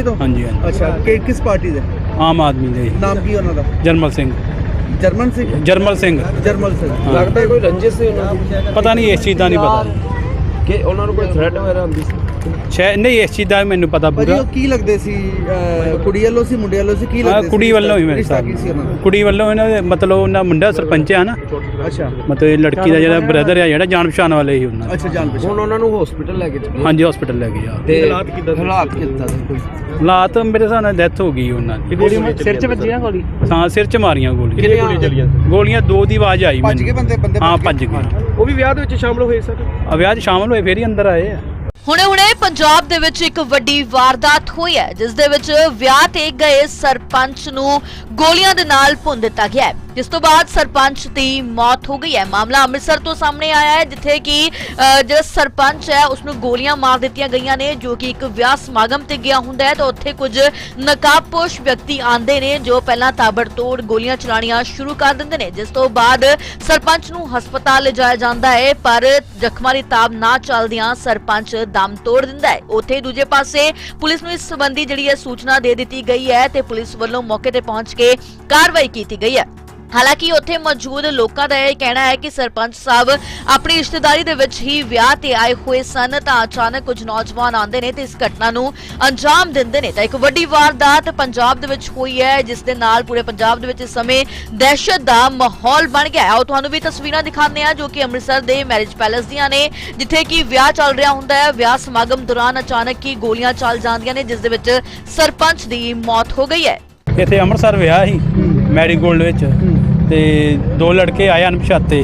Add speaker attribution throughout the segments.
Speaker 1: ਤੋਂ?
Speaker 2: ਹਾਂਜੀ ਹਾਂਜੀ।
Speaker 1: ਅੱਛਾ, ਕਿਸ ਪਾਰਟੀ ਦੇ?
Speaker 2: ਆਮ ਆਦਮੀ ਦੇ।
Speaker 1: ਨਾਮ ਕੀ ਉਹਨਾਂ ਦਾ?
Speaker 2: ਜਰਮਲ ਸਿੰਘ।
Speaker 1: ਜਰਮਨ ਸਿੰਘ?
Speaker 2: ਜਰਮਲ ਸਿੰਘ।
Speaker 1: ਜਰਮਲ ਸਿੰਘ।
Speaker 3: ਲੱਗਦਾ ਕੋਈ ਰੰਜਿਸ਼ ਸੀ ਉਹਨਾਂ ਦੀ?
Speaker 2: ਪਤਾ ਨਹੀਂ, ਇਸ ਚੀਜ਼ ਦਾ ਨਹੀਂ ਪਤਾ
Speaker 3: ਕਿ ਉਹਨਾਂ ਨੂੰ ਕੋਈ ਥ੍ਰੈਟ ਵਗੈਰਾ ਹੁੰਦੀ ਸੀ?
Speaker 2: ਸ਼ਾਇਦ ਨਹੀਂ, ਇਸ ਚੀਜ਼ ਦਾ ਮੈਨੂੰ ਪਤਾ
Speaker 1: ਭਾਜੀ
Speaker 2: ਪੂਰਾ।
Speaker 1: ਉਹ ਕੀ ਲੱਗਦੇ ਸੀ? ਕੁੜੀ ਵੱਲੋਂ ਸੀ, ਮੁੰਡੇ ਵੱਲੋਂ ਸੀ? ਕੀ ਲੱਗਦੇ ਸੀ?
Speaker 2: ਕੁੜੀ ਵੱਲੋਂ ਹੀ ਮੇਰੇ
Speaker 1: ਰਿਸ਼ਤਾ
Speaker 2: ਸਾਹ
Speaker 1: ਕੀ ਸੀ ਉਹਨਾਂ ਦਾ?
Speaker 2: ਕੁੜੀ ਵੱਲੋਂ ਇਹਨਾਂ ਦੇ ਮਤਲਬ ਉਹਨਾਂ ਮੁੰਡਾ ਸਰਪੰਚ ਆ ਨਾ,
Speaker 1: ਅੱਛਾ
Speaker 2: ਮਤਲਬ ਇਹ ਲੜਕੀ ਦਾ ਜਿਹੜਾ ਬ੍ਰਦਰ ਆ ਜਿਹੜਾ ਜਾਣ ਪਛਾਣ ਵਾਲੇ ਹੀ ਉਹਨਾਂ ਦੇ।
Speaker 1: ਅੱਛਾ, ਜਾਣ ਪਛਾਣ।
Speaker 3: ਹੁਣ ਉਹਨਾਂ ਨੂੰ ਹਸਪੀਟਲ ਲੈ ਕੇ ਚੱਲੇ?
Speaker 2: ਹਾਂਜੀ, ਹਸਪੀਟਲ ਲੈ ਗਏ ਆ।
Speaker 3: ਤੇ ਹਾਲਾਤ ਕਿੱਦਾਂ ਸੀ ਕੋਈ?
Speaker 2: ਹਾਲਾਤ ਮੇਰੇ ਹਿਸਾਬ ਨਾਲ ਡੈਥ ਹੋ ਗਈ ਉਹਨਾਂ ਦੀ।
Speaker 3: ਸਿਰ 'ਚ ਵੱਜੀ ਨਾ ਗੋਲੀ?
Speaker 2: ਹਾਂ, ਸਿਰ 'ਚ ਮਾਰੀਆਂ ਗੋਲੀਆਂ।
Speaker 3: ਕਿੰਨੀਆਂ ਗੋਲੀਆਂ ਚੱਲੀਆਂ?
Speaker 2: ਗੋਲੀਆਂ ਦੋ ਦੀ ਆਵਾਜ਼ ਆਈ
Speaker 1: ਭੱਜ ਗਏ ਬੰਦੇ?
Speaker 2: ਹਾਂ, ਭੱਜ ਗਏ।
Speaker 3: ਉਹ ਵੀ ਵਿਆਹ ਦੇ ਵਿੱਚ ਸ਼ਾਮਲ ਹੋਏ ਸਰ?
Speaker 2: ਵਿਆਹ 'ਚ ਸ਼ਾਮਲ ਹੋਏ, ਫੇਰ ਹੀ ਅੰਦਰ ਆਏ ਆ।
Speaker 4: ਹੁਣੇ ਪੰਜਾਬ ਦੇ ਵਿੱਚ ਇੱਕ ਵੱਡੀ ਵਾਰਦਾਤ ਹੋਈ ਹੈ, ਜਿਸ ਦੇ ਵਿੱਚ ਵਿਆਹ ਤੇ ਗਏ ਸਰਪੰਚ ਨੂੰ ਗੋਲੀਆਂ ਦੇ ਨਾਲ ਭੁੰਨ ਦਿੱਤਾ ਗਿਆ ਹੈ, ਜਿਸ ਤੋਂ ਬਾਅਦ ਸਰਪੰਚ ਦੀ ਮੌਤ ਹੋ ਗਈ ਹੈ। ਮਾਮਲਾ ਅੰਮ੍ਰਿਤਸਰ ਤੋਂ ਸਾਹਮਣੇ ਆਇਆ ਹੈ, ਜਿੱਥੇ ਕਿ ਜਿਹੜਾ ਸਰਪੰਚ ਹੈ ਉਸ ਨੂੰ ਗੋਲੀਆਂ ਮਾਰ ਦਿੱਤੀਆਂ ਗਈਆਂ ਨੇ, ਜੋ ਕਿ ਇੱਕ ਵਿਆਹ ਸਮਾਗਮ ਤੇ ਗਿਆ ਹੁੰਦਾ ਹੈ ਤਾਂ ਉੱਥੇ ਕੁਝ ਨਕਾਬਪੋਸ਼ ਵਿਅਕਤੀ ਆਂਦੇ ਨੇ ਜੋ ਪਹਿਲਾਂ ਤਾਬੜਤੋੜ ਗੋਲੀਆਂ ਚਲਾਣੀਆਂ ਸ਼ੁਰੂ ਕਰ ਦਿੰਦੇ ਨੇ, ਜਿਸ ਤੋਂ ਬਾਅਦ ਸਰਪੰਚ ਨੂੰ ਹਸਪਤਾਲ ਲਿਜਾਇਆ ਜਾਂਦਾ ਹੈ, ਪਰ ਜ਼ਖਮਾਂ ਦੀ ਤਾਬ ਨਾ ਚੱਲਦਿਆਂ ਸਰਪੰਚ ਦਮ ਤੋੜ ਦਿੰਦਾ ਹੈ। ਉੱਥੇ ਦੂਜੇ ਪਾਸੇ ਪੁਲਿਸ ਨੂੰ ਇਸ ਸੰਬੰਧੀ ਜਿਹੜੀ ਹੈ ਸੂਚਨਾ ਦੇ ਦਿੱਤੀ ਗਈ ਹੈ ਤੇ ਪੁਲਿਸ ਵੱਲੋਂ ਮੌਕੇ ਤੇ ਪਹੁੰਚ ਕੇ ਕਾਰਵਾਈ ਕੀਤੀ ਗਈ ਹੈ। ਹਾਲਾਂਕਿ ਉੱਥੇ ਮੌਜੂਦ ਲੋਕਾਂ ਦਾ ਇਹ ਕਹਿਣਾ ਹੈ ਕਿ ਸਰਪੰਚ ਸਾਹਿਬ ਆਪਣੀ ਰਿਸ਼ਤੇਦਾਰੀ ਦੇ ਵਿੱਚ ਹੀ ਵਿਆਹ ਤੇ ਆਏ ਹੋਏ ਸਨ ਤਾਂ ਅਚਾਨਕ ਕੁਝ ਨੌਜਵਾਨ ਆਉਂਦੇ ਨੇ ਤੇ ਇਸ ਘਟਨਾ ਨੂੰ ਅੰਜਾਮ ਦਿੰਦੇ ਨੇ ਤਾਂ ਇੱਕ ਵੱਡੀ ਵਾਰਦਾਤ ਪੰਜਾਬ ਦੇ ਵਿੱਚ ਹੋਈ ਹੈ, ਜਿਸ ਦੇ ਨਾਲ ਪੂਰੇ ਪੰਜਾਬ ਦੇ ਵਿੱਚ ਇਸ ਸਮੇਂ ਦਹਿਸ਼ਤ ਦਾ ਮਾਹੌਲ ਬਣ ਗਿਆ ਹੈ। ਆਓ ਤੁਹਾਨੂੰ ਵੀ ਤਸਵੀਰਾਂ ਦਿਖਾਉਂਦੇ ਹਾਂ ਜੋ ਕਿ ਅੰਮ੍ਰਿਤਸਰ ਦੇ ਮੈਰਿਜ ਪੈਲੇਸ ਦੀਆਂ ਨੇ, ਜਿੱਥੇ ਕਿ ਵਿਆਹ ਚੱਲ ਰਿਹਾ ਹੁੰਦਾ ਹੈ। ਵਿਆਹ ਸਮਾਗਮ ਦੌਰਾਨ ਅਚਾਨਕ ਹੀ ਗੋਲੀਆਂ ਚੱਲ ਜਾਂਦੀਆਂ ਨੇ, ਜਿਸ ਦੇ ਵਿੱਚ ਸਰਪੰਚ ਦੀ ਮੌਤ ਹੋ ਗਈ ਹੈ।
Speaker 2: ਇੱਥੇ ਅੰਮ੍ਰਿਤਸਰ ਵਿਆਹ ਸੀ ਮੈਰੀਗੋਲਡ ਵਿੱਚ, ਤੇ ਦੋ ਲੜਕੇ ਆਏ ਅਣਪਛਾਤੇ